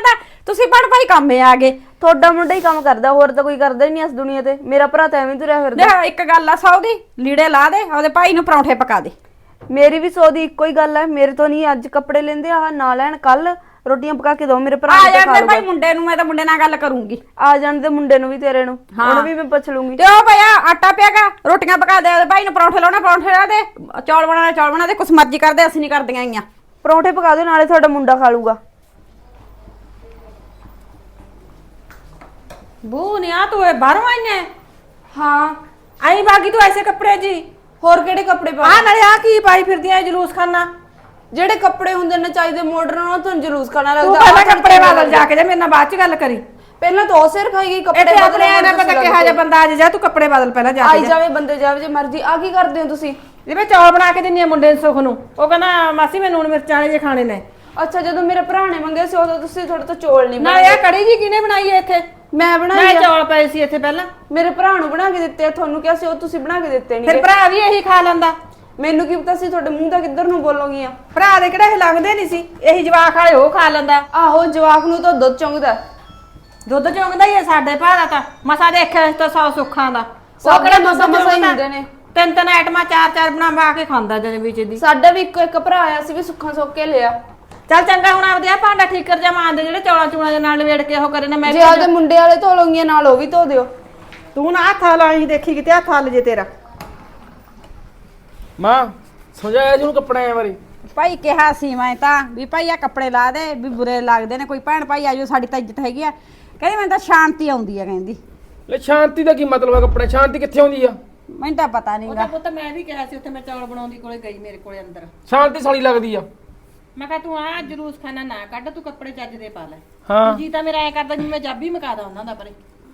S3: ਤੁਸੀਂ ਬਣ ਭਾਈ ਕੰਮੇ ਆ ਗਏ।
S5: ਤੁਹਾਡਾ ਮੁੰਡਾ ਹੀ ਕੰਮ ਕਰਦਾ, ਹੋਰ ਤਾਂ ਕੋਈ ਕਰਦਾ ਹੀ ਨਹੀਂ ਇਸ ਦੁਨੀਆ ਤੇ। ਮੇਰਾ ਭਰਾ ਤਾਂ ਐਵੇਂ ਤੁਰਿਆ ਫਿਰਦਾ।
S3: ਦੇਖ ਇੱਕ ਗੱਲ ਆ ਸੌਦੀ ਲੀੜੇ ਲਾ ਦੇ, ਉਹਦੇ ਭਾਈ ਨੂੰ ਪਰੌਂਠੇ ਪਕਾ ਦੇ।
S5: ਮੇਰੀ ਵੀ 100 ਦੀ ਇੱਕੋ ਹੀ ਗੱਲ ਹੈ। ਮੇਰੇ ਤੋਂ ਨਹੀਂ ਅੱਜ ਕੱਪੜੇ ਲੈਂਦੇ, ਆਹ ਨਾ ਲੈਣ, ਕੱਲ ਰੋਟੀਆਂ ਪਕਾ ਕੇ ਦੋ ਮੇਰੇ ਭਰਾ
S3: ਆ
S5: ਨੂੰ, ਤੇ
S3: ਜਾਣ
S5: ਖਾ
S3: ਦੇ
S5: ਲਊਗਾ।
S3: ਭਾਈ ਮੁੰਡੇ ਨੂੰ, ਮੈਂ ਤਾਂ ਮੁੰਡੇ ਨਾਲ ਗੱਲ ਕਰੂੰਗੀ।
S5: ਆ ਜਾਣ ਦੇ ਮੁੰਡੇ ਨੂੰ ਵੀ, ਤੇਰੇ ਨੂੰ, ਉਹਨੂੰ ਵੀ ਮੈਂ ਪੁੱਛ ਲੂੰਗੀ।
S3: ਤੇ ਉਹ ਭਈਆ ਆਟਾ ਪਿਆਗਾ, ਰੋਟੀਆਂ ਪਕਾ ਦੇ, ਉਹਦੇ ਭਾਈ ਨੂੰ ਪਰੌਂਠੇ ਲਾਉਣਾ, ਪਰੌਂਠੇ ਲਾ ਦੇ, ਚੌਲ ਬਣਾ ਦੇ, ਕੁਛ ਮਰਜ਼ੀ ਕਰਦੇ, ਅਸੀਂ ਨਹੀਂ ਕਰਦੀਆਂ ਆਈਆਂ।
S5: ਪਰੌਂਠੇ ਪਕਾ ਦਿਓ, ਨਾਲੇ ਤੁਹਾਡਾ ਮੁੰਡਾ ਖਾ ਲੂਗਾ।
S2: ਬੂ ਨਿਆ ਤੂੰ ਇਹ ਬਾਹਰੋਂ ਆਈ ਹੈ?
S5: ਹਾਂ,
S2: ਆਈ ਬਾਗੀ ਤੂੰ ਐਸੇ ਕੱਪੜੇ ਜੀ?
S5: ਹੋਰ ਕਿਹੜੇ ਕੱਪੜੇ ਪਾ?
S2: ਆ ਨਾਲੇ ਆ ਕੀ ਪਾਈ ਫਿਰਦੀ ਐ ਜਲੂਸ ਖਾਨਾ?
S5: ਜਿਹੜੇ ਕੱਪੜੇ ਹੁੰਦੇ ਨੇ ਚਾਹੀਦੇ ਮਾਡਰਨ, ਉਹ ਤੁਹਾਨੂੰ ਜਲੂਸ ਖਾਣਾ
S2: ਤੂੰ
S5: ਲੱਗਦਾ।
S2: ਪਹਿਲਾਂ ਕੱਪੜੇ ਬਦਲ ਜਾ ਕੇ, ਜੇ ਮੇਰੇ ਨਾਲ ਬਾਅਦ ਚ ਗੱਲ ਕਰੀ।
S5: ਪਹਿਲਾਂ ਤਾਂ ਉਹ ਸਿਰ ਖਾਈ ਗਈ, ਕੱਪੜੇ
S2: ਇੱਥੇ
S5: ਬਦਲਣ
S2: ਆਪਣੇ ਐ ਨਾ
S5: ਨੂੰ
S2: ਪਤਾ
S5: ਤੁਸੀਂ
S2: ਕਿਹਾ ਜਾ ਬੰਦਾ ਆ ਜਾ, ਤੂੰ ਕੱਪੜੇ ਬਦਲ ਪਹਿਲਾਂ ਜਾ
S5: ਆਈ
S2: ਕੇ।
S5: ਜਾਵੇ ਬੰਦੇ ਜਾਵੇ ਜੇ ਮਰਜ਼ੀ। ਆ ਕੀ ਕਰਦੇ ਹੋ ਤੁਸੀਂ?
S2: ਜਿਵੇਂ ਚੌਲ ਬਣਾ ਕੇ ਦਿੰਨੀ ਆ ਮੁੰਡੇ ਨੂੰ ਸੁਖ ਨੂੰ, ਉਹ ਕਹਿੰਦਾ ਮਾਸੀ ਮੈਂ ਨੂਣ ਮਿਰਚਾਂ ਵਾਲੇ ਜੇ ਖਾਣੇ ਨੇ।
S5: ਅੱਛਾ, ਜਦੋਂ ਮੇਰੇ ਭਰਾ ਨੇ ਮੰਗੇ ਸੀ ਉਦੋਂ ਤੁਸੀਂ ਤੁਹਾਡੇ ਤੋਂ ਚੌਲ ਨਹੀਂ
S2: ਨਾਲੇ ਇਹ ਕੜੀ ਜੀ ਕਿਹਨੇ ਬਣਾਈ ਐ ਇੱਥੇ?
S5: ਮੈਂ ਬਣਾਈ
S2: ਮੈਂ
S5: ਆ।
S2: ਚੌਲ ਪਏ ਸੀ ਇੱਥੇ ਪਹਿਲਾਂ।
S5: ਮੇਰੇ ਭਰਾ ਨੂੰ ਬਣਾ ਕੇ ਦਿੱਤੇ ਆ, ਤੁਹਾਨੂੰ ਕਿਹਾ ਸੀ ਉਹ ਤੁਸੀਂ ਬਣਾ ਕੇ ਦਿੱਤੇ
S2: ਫਿਰ
S5: ਨਹੀਂ।
S2: ਭਰਾ ਵੀ ਇਹੀ ਖਾ ਲੈਂਦਾ।
S5: ਮੈਨੂੰ ਕੀ ਪਤਾ ਸੀ ਤੁਹਾਡੇ ਮੂੰਹ ਦਾ ਕਿੱਧਰ ਨੂੰ ਬੋਲੋਗੀਆਂ।
S2: ਭਰਾ ਦੇ ਕਿਹੜਾ ਇਹ ਲੰਘਦੇ ਨਹੀਂ ਸੀ, ਇਹੀ ਜਵਾਕ ਵਾਲੇ ਉਹ ਖਾ ਲੈਂਦਾ।
S5: ਆਹੋ, ਜਵਾਕ ਨੂੰ ਤਾਂ ਦੁੱਧ ਚੁੰਗਦਾ।
S2: ਦੁੱਧ ਚੋਂਗਦਾ ਹੀ ਐ ਸਾਡੇ ਭਰਾ ਦਾ ਤਾਂ। ਮਸਾ ਦੇਖਿਆ ਇਸ ਤੋਂ 100 ਸੁੱਖਾਂ ਦਾ।
S5: ਸਭ ਕਿਹੜਾ ਮਸਾ ਹੀ ਹੁੰਦੇ ਨੇ।
S2: ਤਿੰਨ ਤਿੰਨ ਆਈਟਮਾਂ ਚਾਰ ਚਾਰ ਬਣਾ ਕੇ ਖਾਂਦਾ ਜਨੇ ਵਿੱਚ ਦੀ।
S5: ਸਾਡਾ ਵੀ ਇੱਕੋ ਇੱਕ ਭਰਾ ਆਇਆ ਸੀ, ਵੀ ਸੁੱਖਾਂ ਸੁੱਕ ਕੇ ਲਿਆ।
S2: ਚੱਲ ਚੰਗਾ, ਹੁਣ ਆਪਦੇ ਆ ਭਾਂਡਾ ਠੀਕ ਕਰ ਜਾ, ਮਾਂ ਦੇ ਜਿਹੜੇ ਚੌਲਾਂ ਚੂਲਾਂ ਦੇ ਨਾਲ ਲਵੇੜ ਕੇ ਉਹ ਕਰੇ ਨਾ। ਮੈਂ
S5: ਜੇ ਆਪਦੇ ਮੁੰਡੇ ਵਾਲੇ ਧੋ ਲੋਗੀਆਂ ਨਾਲ ਉਹ ਵੀ ਧੋ ਦਿਓ।
S2: ਤੂੰ ਨਾ ਹੱਥ ਲਾਈ ਦੇਖੀ ਕਿਤੇ ਹੱਥ ਹੱਲ ਜੇ ਤੇਰਾ।
S1: ਮਾਂ ਸਮਝਾਇਆ ਜਿਹਨੂੰ ਕੱਪੜਿਆਂ ਬਾਰੇ।
S3: ਭਾਈ ਕਿਹਾ ਸੀ ਮੈਂ ਤਾਂ ਵੀ ਭਾਈ ਆ ਕੱਪੜੇ ਲਾ ਦੇ, ਵੀ ਬੁਰੇ ਲੱਗਦੇ ਨੇ, ਕੋਈ ਭੈਣ ਭਾਈ ਆਜੋ, ਸਾਡੀ ਤਾਂ ਇੱਜ਼ਤ ਹੈਗੀ ਆ। ਕਹਿੰਦੀ ਮੈਨੂੰ ਤਾਂ ਸ਼ਾਂਤੀ ਆਉਂਦੀ ਆ, ਕਹਿੰਦੀ।
S1: ਲੈ ਸ਼ਾਂਤੀ ਦਾ ਕੀ ਮਤਲਬ ਹੈ? ਕੱਪੜੇ ਸ਼ਾਂਤੀ ਕਿੱਥੇ ਆਉਂਦੀ ਆ?
S3: ਮੈਨੂੰ ਤਾਂ ਪਤਾ ਨਹੀਂਗਾ।
S2: ਪੁੱਤ ਮੈਂ ਵੀ ਕਿਹਾ ਸੀ ਉੱਥੇ, ਮੈਂ ਚੌਲ ਬਣਾਉਂਦੀ ਕੋਲੇ ਗਈ, ਮੇਰੇ ਕੋਲੇ ਅੰਦਰ।
S1: ਸ਼ਾਂਤੀ ਸਾਲੀ ਲੱਗਦੀ ਆ।
S2: ਮੈਂ ਕਿਹਾ ਤੂੰ ਆ ਜਲੂਸ ਖਾਨਾ ਨਾ ਕੱਢ, ਤੂੰ ਕੱਪੜੇ ਚੱਜ ਦੇ ਪਾ ਲੈ।
S1: ਹਾਂ
S2: ਜੀ ਤਾਂ ਮੇਰਾ ਐ ਕਰਦਾ ਜਿਵੇਂ ਮੈਂ ਜਾਬੀ ਮਕਾਦਾ ਉਹਨਾਂ ਦਾ ਪਰੇ।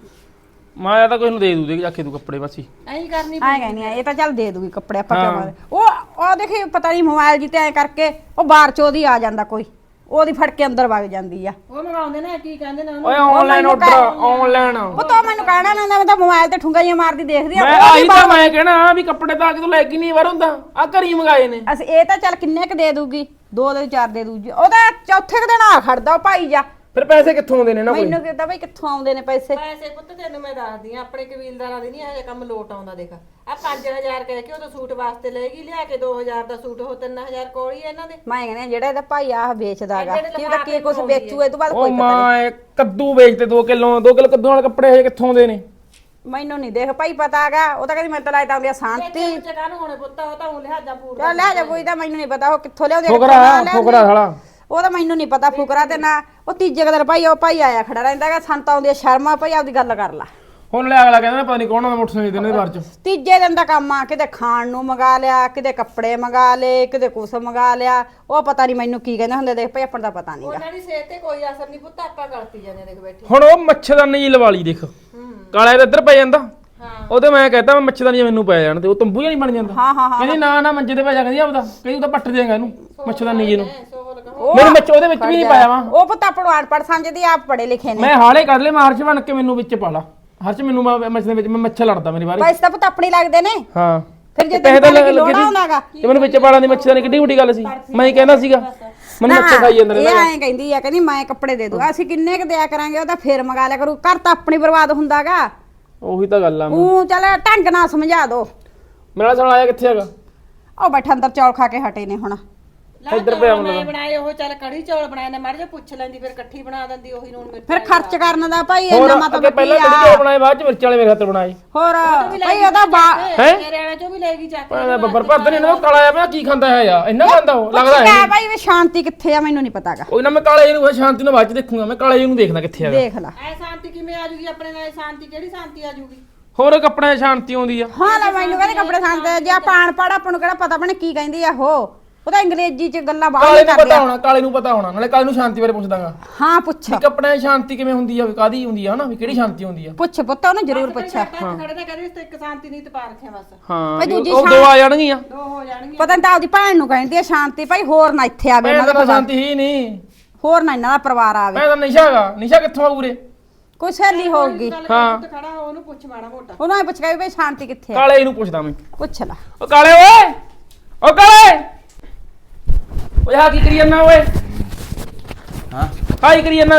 S1: ਮਾਇਆ ਤਾਂ ਕੋਈ ਨੂੰ ਦੇ ਦੂ ਦੇ ਆਖੇ ਤੂੰ ਕੱਪੜੇ ਬਸ ਹੀ।
S2: ਐਂ ਕਰਨੀ
S3: ਐ ਕਹਿੰਦੀ ਆ, ਇਹ ਤਾਂ ਚੱਲ ਦੇ ਦੂਗੀ ਕੱਪੜੇ ਆਪਾਂ
S1: ਹਾਂ।
S3: ਕਿਉਂ। ਉਹ ਦੇਖੀ ਪਤਾ ਨਹੀਂ ਮੋਬਾਈਲ ਜੀ ਤੇ ਐ ਕਰਕੇ ਉਹ ਬਾਹਰ ਚ ਉਹਦੀ ਆ ਜਾਂਦਾ ਕੋਈ, ਉਹਦੀ ਫੜ ਕੇ ਅੰਦਰ ਵਗ ਜਾਂਦੀ ਆ।
S2: ਉਹ ਮੰਗਾਉਂਦੇ ਨੇ, ਕੀ ਕਹਿੰਦੇ ਨੇ ਉਹਨੂੰ?
S1: ਓਏ ਆਨਲਾਈਨ ਆਰਡਰ, ਆਨਲਾਈਨ।
S3: ਉਹ ਤਾਂ ਮੈਨੂੰ ਕਹਿਣਾ ਨਾ, ਮੈਂ ਤਾਂ ਮੋਬਾਈਲ ਤੇ ਠੁੰਗਾਈਆਂ ਮਾਰਦੀ ਦੇਖਦੀ ਆ।
S1: ਮੈਂ ਆਹੀ ਤਾਂ ਮੈਂ ਕਹਿਣਾ ਵੀ ਕੱਪੜੇ ਤਾਂ ਕਿਤੋਂ ਲੈ ਕੇ ਨਹੀਂ ਵਾਰ ਹੁੰਦਾ, ਆ ਘਰੀ ਮੰਗਾਏ ਨੇ।
S3: ਅਸੀਂ ਇਹ ਤਾਂ ਚੱਲ ਕਿੰਨੇ ਕ ਦੇ ਦੂਗੀ, 2 ਦੇ 4 ਦੇ ਦੂਗੀ। ਉਹਦਾ ਚੌਥੇ ਕੁ ਦਿਨ ਆ ਖੜਦਾ ਉਹ ਭਾਈ ਜਾ।
S1: ਫਿਰ ਪੈਸੇ ਕਿੱਥੋਂ ਆਉਂਦੇ ਨੇ ਨਾ ਕੋਈ?
S3: ਮੈਨੂੰ ਕਿਹਾ ਬਈ ਕਿੱਥੋਂ ਆਉਂਦੇ ਨੇ ਪੈਸੇ।
S2: ਪੈਸੇ ਪੁੱਤ ਤੈਨੂੰ ਮੈਂ ਦੱਸਦੀ ਆ, ਆਪਣੇ ਕਬੀਲਦਾਰਾਂ ਦੀ ਨਹੀਂ ਇਹ ਕੰਮ ਲੋਟ ਆਉਂਦਾ। ਦੇਖ ਆ 5000 ਕਹਿ ਕੇ ਉਹ ਸੂਟ ਵਾਸਤੇ ਲੈਗੀ, ਲਿਆ ਕੇ 2000 ਦਾ ਸੂਟ ਉਹ 3000 ਕੋਲ ਹੀ ਇਹਨਾਂ ਦੇ।
S3: ਮੈਂ ਕਹਿੰਦੀ ਜਿਹੜਾ ਇਹਦਾ ਭਾਈ ਆਹ ਵੇਚਦਾਗਾ, ਕੀ ਉਹਦਾ ਕੀ ਕੁਝ ਵੇਚੂ, ਇਹ ਤੋਂ ਬਾਅਦ
S1: ਉਹ
S3: ਕੋਈ ਪਤਾ ਨਹੀਂ।
S1: ਮਾਂ ਇਹ ਕੱਦੂ ਵੇਚਦੇ 2 ਕਿਲੋ ਕੱਦੂ ਵਾਲੇ ਕੱਪੜੇ ਹਜੇ ਕਿੱਥੋਂ ਆਉਂਦੇ ਨੇ?
S3: ਮੈਨੂੰ ਨਹੀਂ ਦੇਖ ਭਾਈ ਪਤਾ ਹੈਗਾ। ਉਹ ਤਾਂ ਕਹਿੰਦੀ ਮੈਂ ਤਾਂ ਲਾਇਦਾ ਹੁੰਦੀ ਆ ਸ਼ਾਂਤੀ।
S2: ਚਕਾ ਨੂੰ ਹੋਣੇ ਪੁੱਤ, ਉਹ ਤਾਂ ਉਹ ਲਿਹਾਜ਼ਾ ਪੂਰਾ।
S3: ਚੱਲ ਲੈ ਜਾ, ਕੋਈ ਤਾਂ ਮੈਨੂੰ ਨਹੀਂ ਪਤਾ ਉਹ ਕਿੱਥੋਂ ਲਿਆਉਂਦੇ
S1: ਫੁਕਰਾ ਸਾਲਾ।
S3: ਉਹ ਤਾਂ ਮੈਨੂੰ ਨਹੀਂ ਪਤਾ ਫੁਕਰਾ ਤੇ ਨਾ। ਉਹ ਤੀਜੇ ਕੁ ਦਿਨ ਭਾਈ ਉਹ ਭਾਈ ਆਇਆ ਖੜਾ ਰਹਿੰਦਾਗਾ, ਸੰਤ ਆਉਂਦੀ ਆ ਸ਼ਰਮਾ। ਭਾਈ ਆਪਦੀ ਗੱਲ ਕਰ ਲਾ।
S1: ਹੁਣ ਲੈ ਅਗਲਾ ਕਹਿੰਦਾ ਨਾ ਪਤਾ ਨਹੀਂ ਕੌਣ ਆ ਮੋਟਰਸਾਈਕਲ ਦੇ ਬਾਰੇ ਚ।
S3: ਤੀਜੇ ਦਿਨ ਦਾ ਕੰਮ ਆ, ਕਿਤੇ ਖਾਣ ਨੂੰ ਮੰਗਾ ਲਿਆ, ਕਿਤੇ ਕੱਪੜੇ ਮੰਗਾ ਲਏ, ਕਿਤੇ ਕੁਛ ਮੰਗਾ ਲਿਆ। ਉਹ ਪਤਾ ਨਹੀਂ ਮੈਨੂੰ ਕੀ ਕਹਿੰਦੇ ਹੁੰਦੇ। ਦੇਖ ਭਾਈ ਆਪਾਂ ਦਾ ਪਤਾ ਨਹੀਂਗਾ।
S2: ਉਹਨਾਂ ਦੀ ਸਿਹਤ ਤੇ ਕੋਈ ਅਸਰ ਨਹੀਂ ਪੁੱਤ, ਆਪਾਂ ਗਲਤੀ ਜਾਂਦੇ ਦੇਖ ਬੈਠੇ।
S1: ਹੁਣ ਉਹ ਮੱਛਰਦਾਨੀ ਜੀ ਲਵਾ ਲਈ ਦੇਖ, ਕਾਲਾ ਇਹਦਾ ਇੱਧਰ ਪੈ ਜਾਂਦਾ। ਉਹਦੇ ਮੈਂ ਕਹਿੰਦਾ ਮੈਂ ਮੱਛਰਦਾਨੀ ਮੈਨੂੰ ਪੈ ਜਾਣ ਤੇ ਉਹ ਤੰਬੂ ਜਿਹਾ ਨਹੀਂ ਬਣ ਜਾਂਦਾ।
S3: ਹਾਂ
S1: ਕਹਿੰਦੀ ਨਾ ਮੰਜੇ ਤੇ ਪੈ ਜਾ, ਕਹਿੰਦੀ ਆਪਦਾ, ਕਹਿੰਦੀ ਤਾਂ ਪੱਟ ਦੇਗਾ ਇਹਨੂੰ ਮੱਛਰਦਾਨੀ ਜੀ ਨੂੰ। ਮੈਨੂੰ ਮੱਛ ਉਹਦੇ ਵਿੱਚ ਵੀ ਨਹੀਂ ਪਾਇਆ ਵਾ।
S3: ਉਹ ਪੁੱਤ ਆਪਾਂ ਨੂੰ ਅਨਪੜ੍ਹ ਸਮਝਦੀ, ਆਪ ਪੜੇ ਲਿਖੇ ਨੇ।
S1: ਮੈਂ ਹਾਲੇ ਕਰ ਲੈ ਮਾਰਚ ਬਣ ਕੇ ਮੈਨੂੰ ਵਿੱਚ ਪਾ ਲਾ। ਹਰਚ ਮੈਨੂੰ ਮੱਛ ਦੇ ਵਿੱਚ ਮੱਛਰ ਲੜਦਾ ਮੇਰੇ ਬਾਰੇ।
S3: ਪੈਸੇ ਤਾਂ ਪੁੱਤ ਆਪਣੇ ਲੱਗਦੇ ਨੇ।
S1: ਹਾਂ
S3: ਫਿਰ ਜੇ
S1: ਪੈਸੇ ਤਾਂ
S3: ਤੈਨੂੰ
S1: ਲੱਗੇ
S3: ਲੋੜਾ ਹੁੰਦਾਗਾ
S1: ਤੇ ਮੈਨੂੰ ਵਿੱਚ ਪਾਲਾਂ ਦੀ ਮੱਛਰਦਾਨੀ ਕਿੱਡੀ ਵੱਡੀ ਗੱਲ ਸੀ। ਮੈਂ ਹੀ ਕਹਿੰਦਾ ਸੀਗਾ ਮੈਨੂੰ ਮੱਛਰ ਖਾਈ ਜਾਂਦੇ ਨੇ।
S3: ਇਹ ਐਂ ਕਹਿੰਦੀ ਆ, ਕਹਿੰਦੀ ਮੈਂ ਕੱਪੜੇ ਦੇ ਦੂੰ। ਅਸੀਂ ਕਿੰਨੇ ਕ ਦਿਆ ਕਰਾਂਗੇ, ਉਹ ਤਾਂ ਫੇਰ ਮੰਗਾ ਲਿਆ ਕਰੂ। ਘਰ ਤਾਂ ਆਪਣੀ ਬਰਬਾਦ ਹੁੰਦਾਗਾ।
S1: ਉਹੀ ਤਾਂ ਗੱਲ ਆ।
S3: ਉਹ ਚੱਲ ਢੰਗ ਨਾਲ ਸਮਝਾ ਦੋ।
S1: ਮੇਰਾ ਸਾਲਾ ਆਇਆ ਕਿੱਥੇ ਹੈਗਾ?
S3: ਉਹ ਬੈਠਾ ਅੰਦਰ ਚੌਲ ਖਾ ਕੇ ਹਟੇ ਨੇ ਹੁਣ।
S1: ਇੱਧਰ ਪਿਆ
S2: ਮੈਂ ਬਣਾਏ ਉਹ, ਚੱਲ ਕੜੀ ਚੌਲ ਬਣਾਏ ਨੇ, ਮੜ ਜਾ ਪੁੱਛ ਲੈਂਦੀ, ਫਿਰ ਇਕੱਠੀ ਬਣਾ ਦਿੰਦੀ ਉਹੀ ਨੂਣ ਮਿਰਚ।
S3: ਫਿਰ ਖਰਚ ਕਰਨ ਦਾ ਭਾਈ
S1: ਹੋਰ
S3: ਇੰਨਾ
S1: ਅੱਗੇ
S3: ਮਤਲਬ
S1: ਪਹਿਲਾਂ
S3: ਕੀ
S1: ਕੜੀ
S3: ਆ।
S1: ਚੌਲ ਬਣਾਏ, ਬਾਅਦ ਚ ਮਿਰਚ ਵਾਲੇ ਮੇਰੇ ਹੱਥ ਬਣਾਏ।
S3: ਹੋਰ ਭਾਈ ਉਹਦਾ
S2: ਮੇਰੇ ਵਾਲਾ ਚੋਂ ਵੀ ਲੈ ਗਈ ਚੱਕ।
S1: ਬੱਬਰ ਭਰਦਾ ਨਹੀਂ ਨਾ ਕਾਲਾ ਆ। ਮੈਂ ਕੀ ਖਾਂਦਾ ਹੈ ਯਾਰ, ਇੰਨਾ ਖਾਂਦਾ ਉਹ ਲੱਗਦਾ
S3: ਹੈ
S1: ਹੈ।
S3: ਭਾਈ ਵੀ ਸ਼ਾਂਤੀ ਕਿੱਥੇ ਆ ਮੈਨੂੰ ਨਹੀਂ ਪਤਾਗਾ।
S1: ਕੋਈ ਨਾ ਮੈਂ ਕਾਲੇ ਜੀ ਨੂੰ ਸ਼ਾਂਤੀ ਨੂੰ ਬਾਅਦ ਚ ਦੇਖੂਗਾ। ਮੈਂ ਕਾਲੇ ਜੀ ਨੂੰ ਦੇਖਦਾ ਕਿੱਥੇ ਹੈਗਾ।
S3: ਦੇਖ ਲੈ।
S2: ਐ ਸ਼ਾਂਤੀ ਕਿਵੇਂ ਆ ਜੂਗੀ ਆਪਣੇ ਨਾਲ? ਸ਼ਾਂਤੀ ਕਿਹੜੀ ਸ਼ਾਂਤੀ ਆ ਜੂਗੀ?
S1: ਹੋਰ ਕੱਪੜਿਆਂ 'ਚ ਸ਼ਾਂਤੀ ਆਉਂਦੀ ਆ।
S3: ਹਾਂ ਲੈ ਮੈਨੂੰ ਕਹਿੰਦੇ ਕੱਪੜੇ ਖਾਂਦੇ, ਜੇ ਆਪਾਂ ਅਨਪੜ੍ਹ ਆਪਾਂ ਨੂੰ ਕਿਹੜਾ ਪਤਾ ਬਣੇ ਕੀ ਕਹਿੰਦੀ ਆ ਉਹ ਤਾਂ ਅੰਗਰੇਜ਼ੀ ਚ ਗੱਲਾਂ ਬਾਹਰ
S1: ਕਾਲੇ ਨੂੰ
S3: ਕਰਦੇ
S1: ਪਤਾ
S3: ਆ।
S1: ਹੋਣਾ, ਕਾਲੇ ਨੂੰ ਪਤਾ ਹੋਣਾ। ਨਾਲੇ ਕਾਲੇ ਨੂੰ ਸ਼ਾਂਤੀ ਬਾਰੇ ਪੁੱਛਦਾਗਾ
S3: ਹਾਂ ਪੁੱਛ
S1: ਵੀ ਕੱਪੜਿਆਂ 'ਚ ਸ਼ਾਂਤੀ ਕਿਵੇਂ ਹੁੰਦੀ ਆ, ਕਾਦੀ ਹੁੰਦੀ ਆ, ਹਨਾ ਵੀ ਕਿਹੜੀ ਸ਼ਾਂਤੀ ਹੁੰਦੀ ਆ।
S3: ਪੁੱਛ ਪੁੱਤ ਉਹਨੂੰ ਜ਼ਰੂਰ ਪੁੱਛਿਆ।
S2: ਖੜੇ ਤਾਂ ਕਰੇ ਤੇ ਇੱਕ ਸ਼ਾਂਤੀ ਨਹੀਂ ਤੇ ਪਾ ਰੱਖਿਆ ਬਸ।
S1: ਹਾਂ
S3: ਭਾਈ ਦੂਜੀ
S1: ਉਹ ਦੋ ਆ ਜਾਣਗੀਆਂ।
S2: ਦੋ ਹੋ ਜਾਣਗੀਆਂ।
S3: ਪਤਾ ਨਹੀਂ ਤਾਂ ਆਪਦੀ ਭੈਣ ਨੂੰ ਕਹਿੰਦੀ ਆ ਸ਼ਾਂਤੀ। ਭਾਈ ਹੋਰ ਨਾ ਇੱਥੇ ਆਵੇ
S1: ਮੈਂ
S3: ਇਹਨਾਂ ਦਾ
S1: ਤਾਂ
S3: ਪਰਿਵਾਰ।
S1: ਸ਼ਾਂਤੀ ਹੀ ਨਹੀਂ।
S3: ਹੋਰ ਨਾ ਇਹਨਾਂ ਦਾ ਪਰਿਵਾਰ ਆਵੇ।
S1: ਮੈਂ ਤਾਂ ਨਿਸ਼ਾ ਹੈਗਾ। ਨਿਸ਼ਾ ਕਿੱਥੋਂ ਆਊ ਉਰੇ?
S3: ਕੋਈ ਸਹੇਲੀ ਹੋਊਗੀ।
S1: ਹਾਂ
S2: ਖੜਾ ਉਹਨੂੰ ਪੁੱਛ ਮਾੜਾ ਮੋਟਾ।
S3: ਉਹਨੂੰ ਐ ਪੁੱਛ ਕੇ ਵੀ ਭਾਈ ਸ਼ਾਂਤੀ ਕਿੱਥੇ ਆ।
S1: ਕਾਲੇ ਨੂੰ ਪੁੱਛਦਾ ਮੈਂ।
S3: ਪੁੱਛ ਲੈ।
S1: ਓ ਕਾਲੇ ਓਏ, ਓ ਕਾਲੇ ਓਏ ਆ ਕੀ ਕਰੀ ਜਾਂਦਾ ਓਏ?
S4: ਹਾਂ
S1: ਕੀ ਕਰੀ ਜਾਂਦਾ ਦਾ?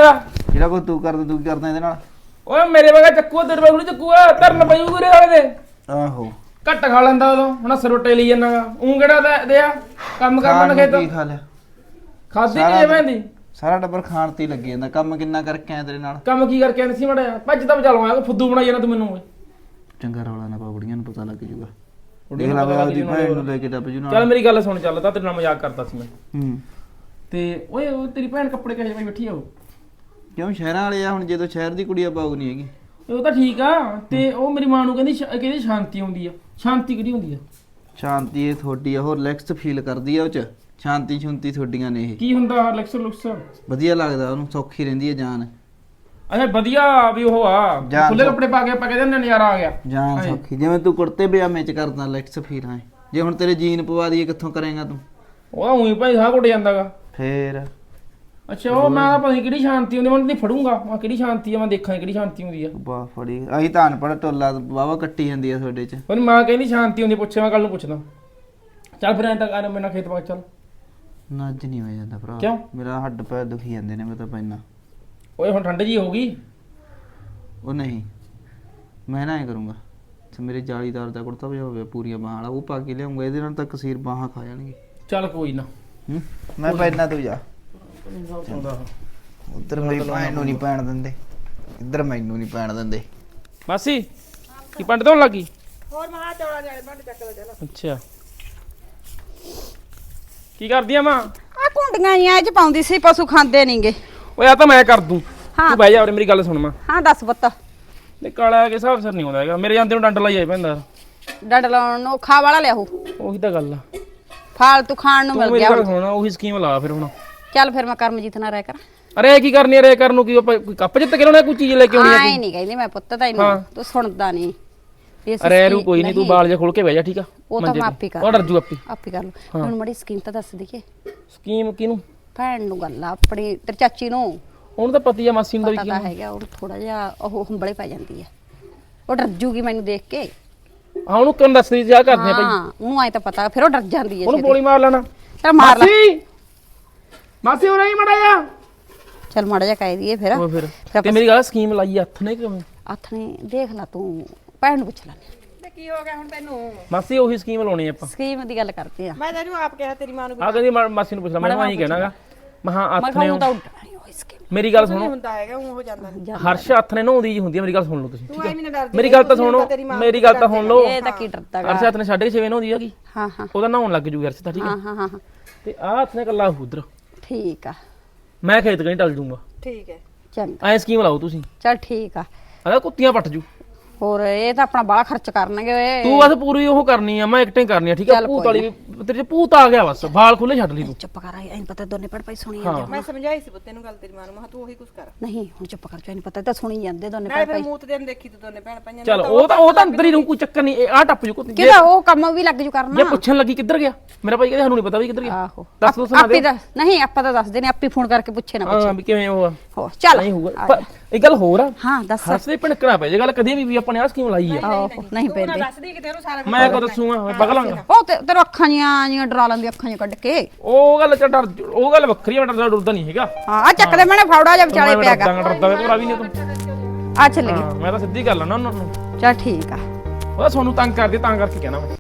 S4: ਜਿਹੜਾ ਕੋ ਤੂੰ ਕਰਦਾ ਤੂੰ ਕੀ ਕਰਦਾ ਇਹਦੇ ਨਾਲ?
S1: ਓਏ ਮੇਰੇ ਵਗਾ ਚੱਕੂ ਤੇਰੇ ਵਗਾ ਚੱਕੂਆ ਧਰਨ ਪਈ ਉਰੇ ਵਾਲੇ ਦੇ
S4: ਆਹੋ
S1: ਘੱਟ ਖਾ ਲੈਂਦਾ ਉਦੋਂ ਹੁਣ ਸਰੋਟੇ ਲਈ ਜਾਂਦਾਗਾ ਉਹ ਕਿਹੜਾ ਦੇ ਆ ਕੰਮ
S4: ਖਾਣ
S1: ਕਰਨ
S4: ਨੂੰ
S1: ਖੇਤ
S4: ਕੀ ਖਾ ਲਿਆ?
S1: ਖਾਦੀ
S4: ਸਾਰਾ
S1: ਨਹੀਂ ਭੈਂਦੀ
S4: ਸਾਰਾ ਟੱਬਰ ਖਾਣ ਤੇ ਹੀ ਲੱਗੇ ਜਾਂਦਾ। ਕੰਮ ਕਿੰਨਾ ਕਰਕੇ ਆਇਆ ਤੇਰੇ ਨਾਲ?
S1: ਕੰਮ ਕੀ ਕਰਕੇ ਆਂਦੀ ਸੀ ਮੜਿਆ ਭੱਜ ਤਾਂ ਬਚਾ ਲਵਾਂ ਫੁੱਦੂ ਬਣਾਈ ਜਾਣਾ ਤੂੰ ਮੈਨੂੰ ਓਏ
S4: ਚੰਗਾ ਰੌਲਾ ਨਾ ਪਾ, ਬੁੜੀਆਂ ਨੂੰ ਪਤਾ ਲੱਗ ਜੂਗਾ। ਦੇਖ ਲਾ ਉਹਦੀ ਭੈਣ ਨੂੰ ਲੈ ਕੇ ਡੱਬ ਜੂ ਨਾਲ।
S1: ਚੱਲ ਮੇਰੀ ਗੱਲ ਸੁਣ ਚੱਲ ਤਾਂ ਤੇਰੇ ਨਾਲ ਮਜ਼ਾਕ ਕਰਦਾ ਸੀ ਮੈਂ
S4: ਹੂੰ
S1: ਤੇ ਓਏ ਉਹ ਤੇਰੀ ਭੈਣ ਕੱਪੜੇ ਕਹੇ ਪਾਈ ਬੈਠੀ ਆ ਉਹ
S4: ਕਿਉਂ ਸ਼ਹਿਰਾਂ ਵਾਲੇ ਆ ਹੁਣ, ਜਦੋਂ ਸ਼ਹਿਰ ਦੀ ਕੁੜੀ ਆ ਪਾਉ ਨਹੀਂ ਹੈਗੀ।
S1: ਉਹ ਤਾਂ ਠੀਕ ਆ ਤੇ ਉਹ ਮੇਰੀ ਮਾਂ ਨੂੰ ਕਹਿੰਦੀ ਸ਼ਾਂਤੀ ਆਉਂਦੀ ਆ। ਸ਼ਾਂਤੀ ਕਿਹੜੀ ਹੁੰਦੀ ਆ?
S4: ਸ਼ਾਂਤੀ ਇਹ ਥੋੜੀ ਆ, ਹੋਰ ਰਿਲੈਕਸ ਫੀਲ ਕਰਦੀ ਆ ਉਹ ਚ। ਸ਼ਾਂਤੀ ਸ਼ੁੰਤੀ ਥੋਡੀਆਂ ਨੇ ਇਹ।
S1: ਕੀ ਹੁੰਦਾ ਲੈਕਸ ਲੁਕਸ?
S4: ਵਧੀਆ ਲੱਗਦਾ ਉਹਨੂੰ, ਸੌਖੀ ਰਹਿੰਦੀ ਹੈ ਜਾਨ।
S1: ਅੱਛਾ ਵਧੀਆ ਵੀ ਉਹ ਆ
S4: ਜਾਨ
S1: ਖੁੱਲੇ
S4: ਸੌ-
S1: ਕੱਪੜੇ ਪਾ ਕੇ ਆਪਾਂ ਕਹਿੰਦੇ ਨਜ਼ਾਰਾ ਆ ਗਿਆ
S4: ਜਾਨ
S1: ਹਾਂ।
S4: ਸੌਖੀ, ਜਿਵੇਂ ਤੂੰ ਕੁੜਤੇ ਪਜਾਮੇ ਚ ਕਰਦਾ ਰਿਲੈਕਸ ਫੀਲ ਹੈ। ਜੇ ਹੁਣ ਤੇਰੇ ਜੀਨ ਪਵਾ ਦਈਏ ਕਿੱਥੋਂ ਕਰੇਗਾ ਤੂੰ?
S1: ਉਹਦਾ ਉਹੀ ਭਾਈ ਸਾਹ ਘੁੱਟ ਜਾਂਦਾਗਾ।
S4: ਫੇਰ
S1: ਅੱਛਾ ਉਹ ਮੈਂ ਤਾਂ ਪਤਾ ਨੀ ਕਿਹੜੀ ਸ਼ਾਂਤੀ ਹੁੰਦੀ ਮੈਂ ਨਹੀਂ ਫੜੂੰਗਾ ਮੈਂ ਕਿਹੜੀ ਸ਼ਾਂਤੀ ਆ ਮੈਂ ਦੇਖਾਂ ਕਿਹੜੀ ਸ਼ਾਂਤੀ ਹੁੰਦੀ ਆ।
S4: ਵਾਹ ਫੜੀ ਅਸੀਂ ਤਾਂ ਅਨਪੜ੍ਹ ਟੋਲਾ ਵਾਵਾ ਕੱਟੀ ਜਾਂਦੀ ਆ ਤੁਹਾਡੇ ਚ।
S1: ਉਹਦੀ ਮਾਂ ਕਹਿੰਦੀ ਸ਼ਾਂਤੀ ਹੁੰਦੀ ਪੁੱਛੇ ਮੈਂ ਕੱਲ ਨੂੰ ਪੁੱਛਦਾ। ਚੱਲ ਫਿਰ ਐਂ ਤਾਂ ਕਰ ਮੇਰੇ ਨਾਲ ਖੇਤ ਬਾਗ ਚੱਲ।
S4: ਨਾ ਅੱਜ ਨਹੀਂ ਹੋ ਜਾਂਦਾ ਭਰਾ।
S1: ਕਿਉਂ?
S4: ਮੇਰਾ ਹੱਡ ਪੈਰ ਦੁਖੀ ਜਾਂਦੇ ਨੇ, ਮੈਂ ਤਾਂ ਪੈਣਾ।
S1: ਓਏ ਹੁਣ ਠੰਡ ਜੀ ਹੋ ਗਈ।
S4: ਉਹ ਨਹੀਂ, ਮੈਂ ਨਾ ਐ ਕਰੂੰਗਾ ਤੇ ਮੇਰੇ ਜਾਲੀਦਾਰ ਦਾ ਕੁੜਤਾ ਪਜਾਮਾ ਹੋਵੇ ਪੂਰੀਆਂ ਬਾਹਾਂ ਵਾਲਾ, ਉਹ ਪਾ ਕੇ ਲਿਆਉਂਗਾ। ਇਹਦੇ ਨਾਲ ਤਾਂ ਕਸੀਰ ਬਾਹਾਂ ਖਾ ਜਾਣਗੇ।
S1: ਚੱਲ ਕੋਈ ਨਾ
S4: ਹੂੰ ਮੈਂ ਪੈਣਾ, ਤੂੰ ਜਾ। ਉਧਰ ਮੇਰੀ ਭੈਣ ਨੂੰ ਨਹੀਂ ਪੈਣ ਦਿੰਦੇ, ਇੱਧਰ ਮੈਨੂੰ ਨਹੀਂ ਪੈਣ ਦਿੰਦੇ।
S1: ਮਾਸੀ ਕੀ ਪੰਡ ਤੋਂ ਲੱਗੀ?
S2: ਹੋਰ ਮਹਾ ਚੌੜਾ ਜਾਲੇ ਭਾਂਡੇ ਚੱਕ ਲੋ ਚੱਲ।
S1: ਅੱਛਾ ਕੀ ਕਰਦੀ ਆ ਮਾਂ?
S3: ਆ ਕੁੰਡੀਆਂ ਹੀ ਇਹ ਚ ਪਾਉਂਦੀ ਸੀ, ਪਸ਼ੂ ਖਾਂਦੇ ਨਹੀਂਗੇ।
S1: ਓਏ ਆ ਤਾਂ ਮੈਂ ਕਰ ਦੂੰ
S3: ਹਾਂ।
S1: ਤੂੰ ਬਹਿ ਜਾ ਉਰੇ ਮੇਰੀ ਗੱਲ ਸੁਣ ਮਾਂ।
S3: ਹਾਂ ਦੱਸ ਪੁੱਤ।
S1: ਤੇ ਕਾਲਾ ਕੇ ਹਿਸਾਬ ਸਿਰ ਨਹੀਂ ਆਉਂਦਾ ਹੈਗਾ ਮੇਰੇ ਜਾਂਦੇ ਨੂੰ ਡੰਡ ਲਾਈ ਜਾਏ ਪੈਂਦਾ।
S3: ਡੰਡ ਲਾਉਣ ਨੂੰ ਖਾ ਵਾਲਾ ਲਿਆਹੂ,
S1: ਉਹੀ ਤਾਂ ਗੱਲ ਆ।
S3: ਫਾਲਤੂ ਖਾਣ ਨੂੰ
S1: ਤੂੰ
S3: ਮਿਲ
S1: ਮੇਰੀ
S3: ਗਿਆ
S1: ਗੱਲ
S3: ਹੁਣ।
S1: ਸੁਣ ਉਹੀ ਸਕੀਮ ਲਾ ਫਿਰ ਹੁਣ।
S3: ਚੱਲ ਫਿਰ ਮੈਂ ਕਰਮਜੀਤ ਨਾਲ ਰਹਿ ਕਰ।
S1: ਅਰੇ ਕੀ ਕਰਨੀ ਅਰੇ ਕਰਨ ਨੂੰ ਕੀ ਆਪਾਂ ਕੋਈ ਕੱਪ ਜਿੱਤ ਕੇ ਲਾਉਣਾ ਕੋਈ ਚੀਜ਼ ਲੈ ਕੇ ਆਉਣੀ ਆ
S3: ਆਏ ਨਹੀਂ ਕਹਿੰਦੀ ਮੈਂ ਪੁੱਤ ਤੈਨੂੰ,
S1: ਹਾਂ।
S3: ਤੂੰ ਸੁਣਦਾ ਨਹੀਂ।
S1: ਅਰੇ ਰੂ ਕੋਈ ਨਹੀਂ ਤੂੰ ਬਾਲ ਜਿਹਾ ਖੋਲ ਕੇ ਬਹਿ ਜਾ ਠੀਕ ਆ।
S3: ਉਹ ਤਾਂ
S1: ਮੰਜੇ
S3: ਮੈਂ
S1: ਤੇ।
S3: ਆਪੇ ਕਰ
S1: ਉਹ ਡਰ ਜੂ ਆਪੇ।
S3: ਆਪੇ ਕਰ ਲੂ। ਹੁਣ ਮੜੀ ਸਕੀਮ ਤਾਂ ਦੱਸ ਦਈਏ।
S1: ਸਕੀਮ ਕਿਹਨੂੰ?
S3: ਭੈਣ ਨੂੰ ਗੱਲ ਆ ਆਪਣੀ, ਤੇਰੀ ਚਾਚੀ ਨੂੰ
S1: ਉਹਨੂੰ ਤਾਂ ਪਤੀ ਆ ਮਾਸੀ ਨੂੰ ਦਾ ਵੀ
S3: ਪਤਾ
S1: ਕੀ
S3: ਤਾਂ ਹੈਗਾ। ਉਹ ਥੋੜਾ ਜਿਹਾ ਉਹ ਹੰਬਲੇ ਪੈ ਜਾਂਦੀ ਆ, ਉਹ ਡਰ ਜੂਗੀ ਮੈਨੂੰ ਦੇਖ ਕੇ।
S1: ਹਾਂ ਉਹਨੂੰ ਕਿਉਂ ਦੱਸਦੀ ਜਾ ਕਰਦੇ ਆ ਭਾਈ।
S3: ਹਾਂ ਉਹਨੂੰ ਆਏ ਤਾਂ ਪਤਾ, ਫਿਰ ਉਹ ਡਰ ਜਾਂਦੀ ਹੈ।
S1: ਉਹਨੂੰ ਗੋਲੀ ਮਾਰ ਲੈਣਾ।
S3: ਚੱਲ ਮਾਰ ਲੈ।
S1: ਮਾਸੀ ਮਾਸੀ ਹੋ ਰਹੀ ਮੜਾ ਜਾ।
S3: ਚੱਲ ਮਾੜਾ ਜਿਹਾ ਕਹਿ ਦਈਏ ਫਿਰ।
S1: ਉਹ ਫਿਰ ਤੇ ਮੇਰੀ ਗੱਲ ਸਕੀਮ ਲਾਈ ਹੱਥ ਨੇ ਕਿਵੇਂ?
S3: ਹੱਥ ਨੇ ਦੇਖ ਲੈ ਤੂੰ, ਭੈਣ ਨੂੰ ਪੁੱਛ ਲੈ।
S2: ਤੇ ਕੀ ਹੋ ਗਿਆ ਹੁਣ ਤੈਨੂੰ?
S1: ਮਾਸੀ ਉਹੀ ਸਕੀਮ ਲਾਉਣੀ ਆਪਾਂ।
S3: ਸਕੀਮ ਦੀ ਗੱਲ ਕਰਦੇ ਆ।
S2: ਮੈਂ ਤੈਨੂੰ ਆਪ ਕਿਹਾ ਤੇਰੀ ਮਾਂ ਨੂੰ
S1: ਆ ਕਹਿੰਦੀ ਮਾਸੀ ਨੂੰ ਪੁੱਛ ਲੈ। ਮੈਂ ਆਹੀ ਕਹਿਣਾਗਾ ਮਹਾ
S3: ਮੈਂ
S1: ਹੱਥ ਨੇ
S3: ਕਹੂੰ ਤਾਂ ਉੱਡਣਾ ਨਹੀਂ ਉਹ ਸਕੀਮ।
S1: ਮੇਰੀ ਗੱਲ
S2: ਨਹੀਂ
S1: ਸੁਣੋ।
S2: ਹੁੰਦਾ ਹੈਗਾ ਉਹ ਹੋ ਜਾਂਦਾ ਨਹੀਂ।
S1: ਹਰਸ਼ ਹੱਥ ਨੇ ਨਹਾਉਂਦੀ ਜੀ ਹੁੰਦੀ ਆ। ਮੇਰੀ ਗੱਲ ਸੁਣ ਲਓ ਤੁਸੀਂ
S2: ਤੂੰ ਐਵੇਂ ਨਾ ਡਰਦੀ।
S1: ਮੇਰੀ ਗੱਲ ਤਾਂ ਸੁਣੋ ਮੇਰੀ ਗੱਲ ਤਾਂ ਸੁਣ ਲਓ।
S3: ਇਹ ਤਾਂ ਕੀ ਡਰਦਾਗਾ।
S1: ਹਰਸ਼ ਹੱਥ ਨੇ 6:30 ਨਹਾਉਂਦੀ ਹੈਗੀ।
S3: ਹਾਂ ਹਾਂ
S1: ਉਹਦਾ ਨਹਾਉਣ ਲੱਗ ਜੂਗਾ ਹਰਸ਼ ਤਾਂ ਠੀਕ
S3: ਹਾਂ
S1: ਆ।
S3: ਹਾਂ ਹਾਂ ਹਾਂ,
S1: ਤੇ ਆਹ ਹੱਥ ਨੇ ਕੱਲਾ ਉਧਰ
S3: ਠੀਕ ਆ।
S1: ਮੈਂ ਖੇਤ ਕਹੀਂ ਟਲ ਜੂੰਗਾ।
S2: ਠੀਕ ਹੈ।
S3: ਚੰਗਾ
S1: ਐ ਸਕੀਮ ਲਾਓ ਤੁਸੀਂ।
S3: ਚੱਲ ਠੀਕ ਆ।
S1: ਅਗਾ ਕੁੱਤੀਆਂ ਪੱਟ ਜੂ।
S3: ਹੋਰ ਇਹ ਤਾਂ ਆਪਣਾ ਬਾਹਲਾ ਖਰਚ ਕਰਨਗੇ ਓਏ।
S1: ਤੂੰ ਬਸ ਪੂਰੀ ਉਹ ਕਰਨੀ ਆ ਮੈਂ ਐਕਟਿੰਗ ਕਰਨੀ ਆ ਠੀਕ ਆ।
S3: ਚੱਲ
S1: ਭੂਤ
S3: ਕੋਈ
S1: ਵਾਲੀ ਤੇਰੇ ਚ ਭੂਤ ਆ ਗਿਆ ਬਸ ਵਾਲ ਖੁੱਲੇ ਛੱਡ ਲਈ ਤੂੰ।
S3: ਚੁੱਪ ਕਰ ਐਂ ਪਤਾ ਦੋਨੇ ਪੜ ਪਈ ਸੁਣੀ
S1: ਹਾਂ।
S3: ਜਾਂਦੇ।
S2: ਮੈਂ ਸਮਝਾਈ ਸੀ ਪੁੱਤੇ ਨੂੰ ਗੱਲ ਤੇਰੀ ਮਾਂ ਨੂੰ, ਮੈਂ ਕਿਹਾ ਤੂੰ ਉਹੀ ਕੁਝ ਕਰ।
S3: ਨਹੀਂ ਹੁਣ ਚੁੱਪ ਕਰ ਐਂ ਪਤਾ ਤਾਂ ਸੁਣੀ ਜਾਂਦੇ ਦੋਨੇ
S2: ਨਾਲੇ
S3: ਪੜ
S2: ਫਿਰ
S3: ਪਈ।
S2: ਮੂਤ ਦੇ ਨੂੰ ਦੇਖੀ ਤੂੰ ਦੋਨੇ ਭੈਣ ਭਾਈਆਂ
S1: ਚੱਲ ਉਹ ਤਾਂ ਅੰਦਰ ਹੀ ਰਹੂ ਕੋਈ ਚੱਕਰ ਨਹੀਂ। ਆ ਟੱਪ ਜੂ ਕੁੱਤੀ।
S3: ਕਿਹਦਾ ਉਹ ਕੰਮ ਵੀ ਲੱਗ ਜੂ
S1: ਜੇ
S3: ਕਰਨਾ।
S1: ਪੁੱਛਣ ਲੱਗੀ ਕਿੱਧਰ ਗਿਆ ਮੇਰਾ ਭਾਈ ਕਹਿੰਦੇ ਸਾਨੂੰ ਨਹੀਂ ਪਤਾ ਵੀ ਕਿੱਧਰ ਗਿਆ।
S3: ਆਹੋ
S1: ਦੱਸ ਦੋ ਸੁਣਾ
S3: ਆਪੇ
S1: ਦੇ।
S3: ਦੱਸ ਨਹੀਂ ਆਪਾਂ ਤਾਂ ਦੱਸਦੇ ਨੇ, ਆਪੇ ਫੋਨ ਕਰਕੇ ਪੁੱਛੇ ਨਾ
S1: ਹਾਂ
S3: ਪੁੱਛੇ।
S1: ਵੀ ਕਿਵੇਂ ਉਹ ਆ।
S3: ਹੋ ਚੱਲ
S1: ਨਹੀਂ ਹੋਊਗਾ ਪਰ ਇੱਕ ਗੱਲ ਹੋਰ ਆ।
S3: ਹਾਂ ਦੱਸ।
S1: ਹਰਸ਼ ਦੇ ਭਿਣਕਣਾ ਪੈ ਜੇ ਗੱਲ ਕਦੇ ਵੀ ਆਪਣੇ ਆ ਸਕੀਮ ਲਾਈ ਆ।
S3: ਆਹੋ ਨਹੀਂ ਪੈਂਦੇ।
S2: ਦੱਸਦੀ ਕਿਤੇ ਉਹਨੂੰ ਸਾਰਾ
S1: ਮੈਂ ਕੋ ਦੱਸੂਗਾ ਮੈਂ ਪਗਲਾਂਗਾ।
S3: ਉਹ ਤੇਰੇ ਅੱਖਾਂ ਜੀਆਂ ਡਰਾ ਲੈਂਦੀ, ਅੱਖਾਂ ਜਿਹੀਆਂ ਕੱਢ ਕੇ।
S1: ਉਹ ਗੱਲ ਚ ਡਰ ਉਹ ਗੱਲ ਵੱਖਰੀ ਆ। ਮੈਂ ਡਰਦਾ ਨਹੀਂ ਹੈਗਾ।
S3: ਹਾਂ ਆ ਚੱਕ ਦੇ ਮੈਨੇ ਫੌੜਾ ਜਿਹਾ ਵਿਚਾਲੇ ਪਿਆਗਾ।
S1: ਡਰਦਾ ਵੇ ਭਰਾ ਵੀ ਨਹੀਂ ਤੂੰ।
S3: ਆ ਚੱਲ ਗਈ।
S1: ਹਾਂ ਮੈਂ ਤਾਂ ਸਿੱਧੀ ਗੱਲ ਆ ਨਾ ਉਹਨਾਂ ਨੂੰ।
S3: ਚੱਲ ਠੀਕ ਆ।
S1: ਉਹ ਤੁਹਾਨੂੰ ਤੰਗ ਕਰਦੇ ਤਾਂ ਕਰਕੇ ਕਹਿਣਾ ਮੈਂ।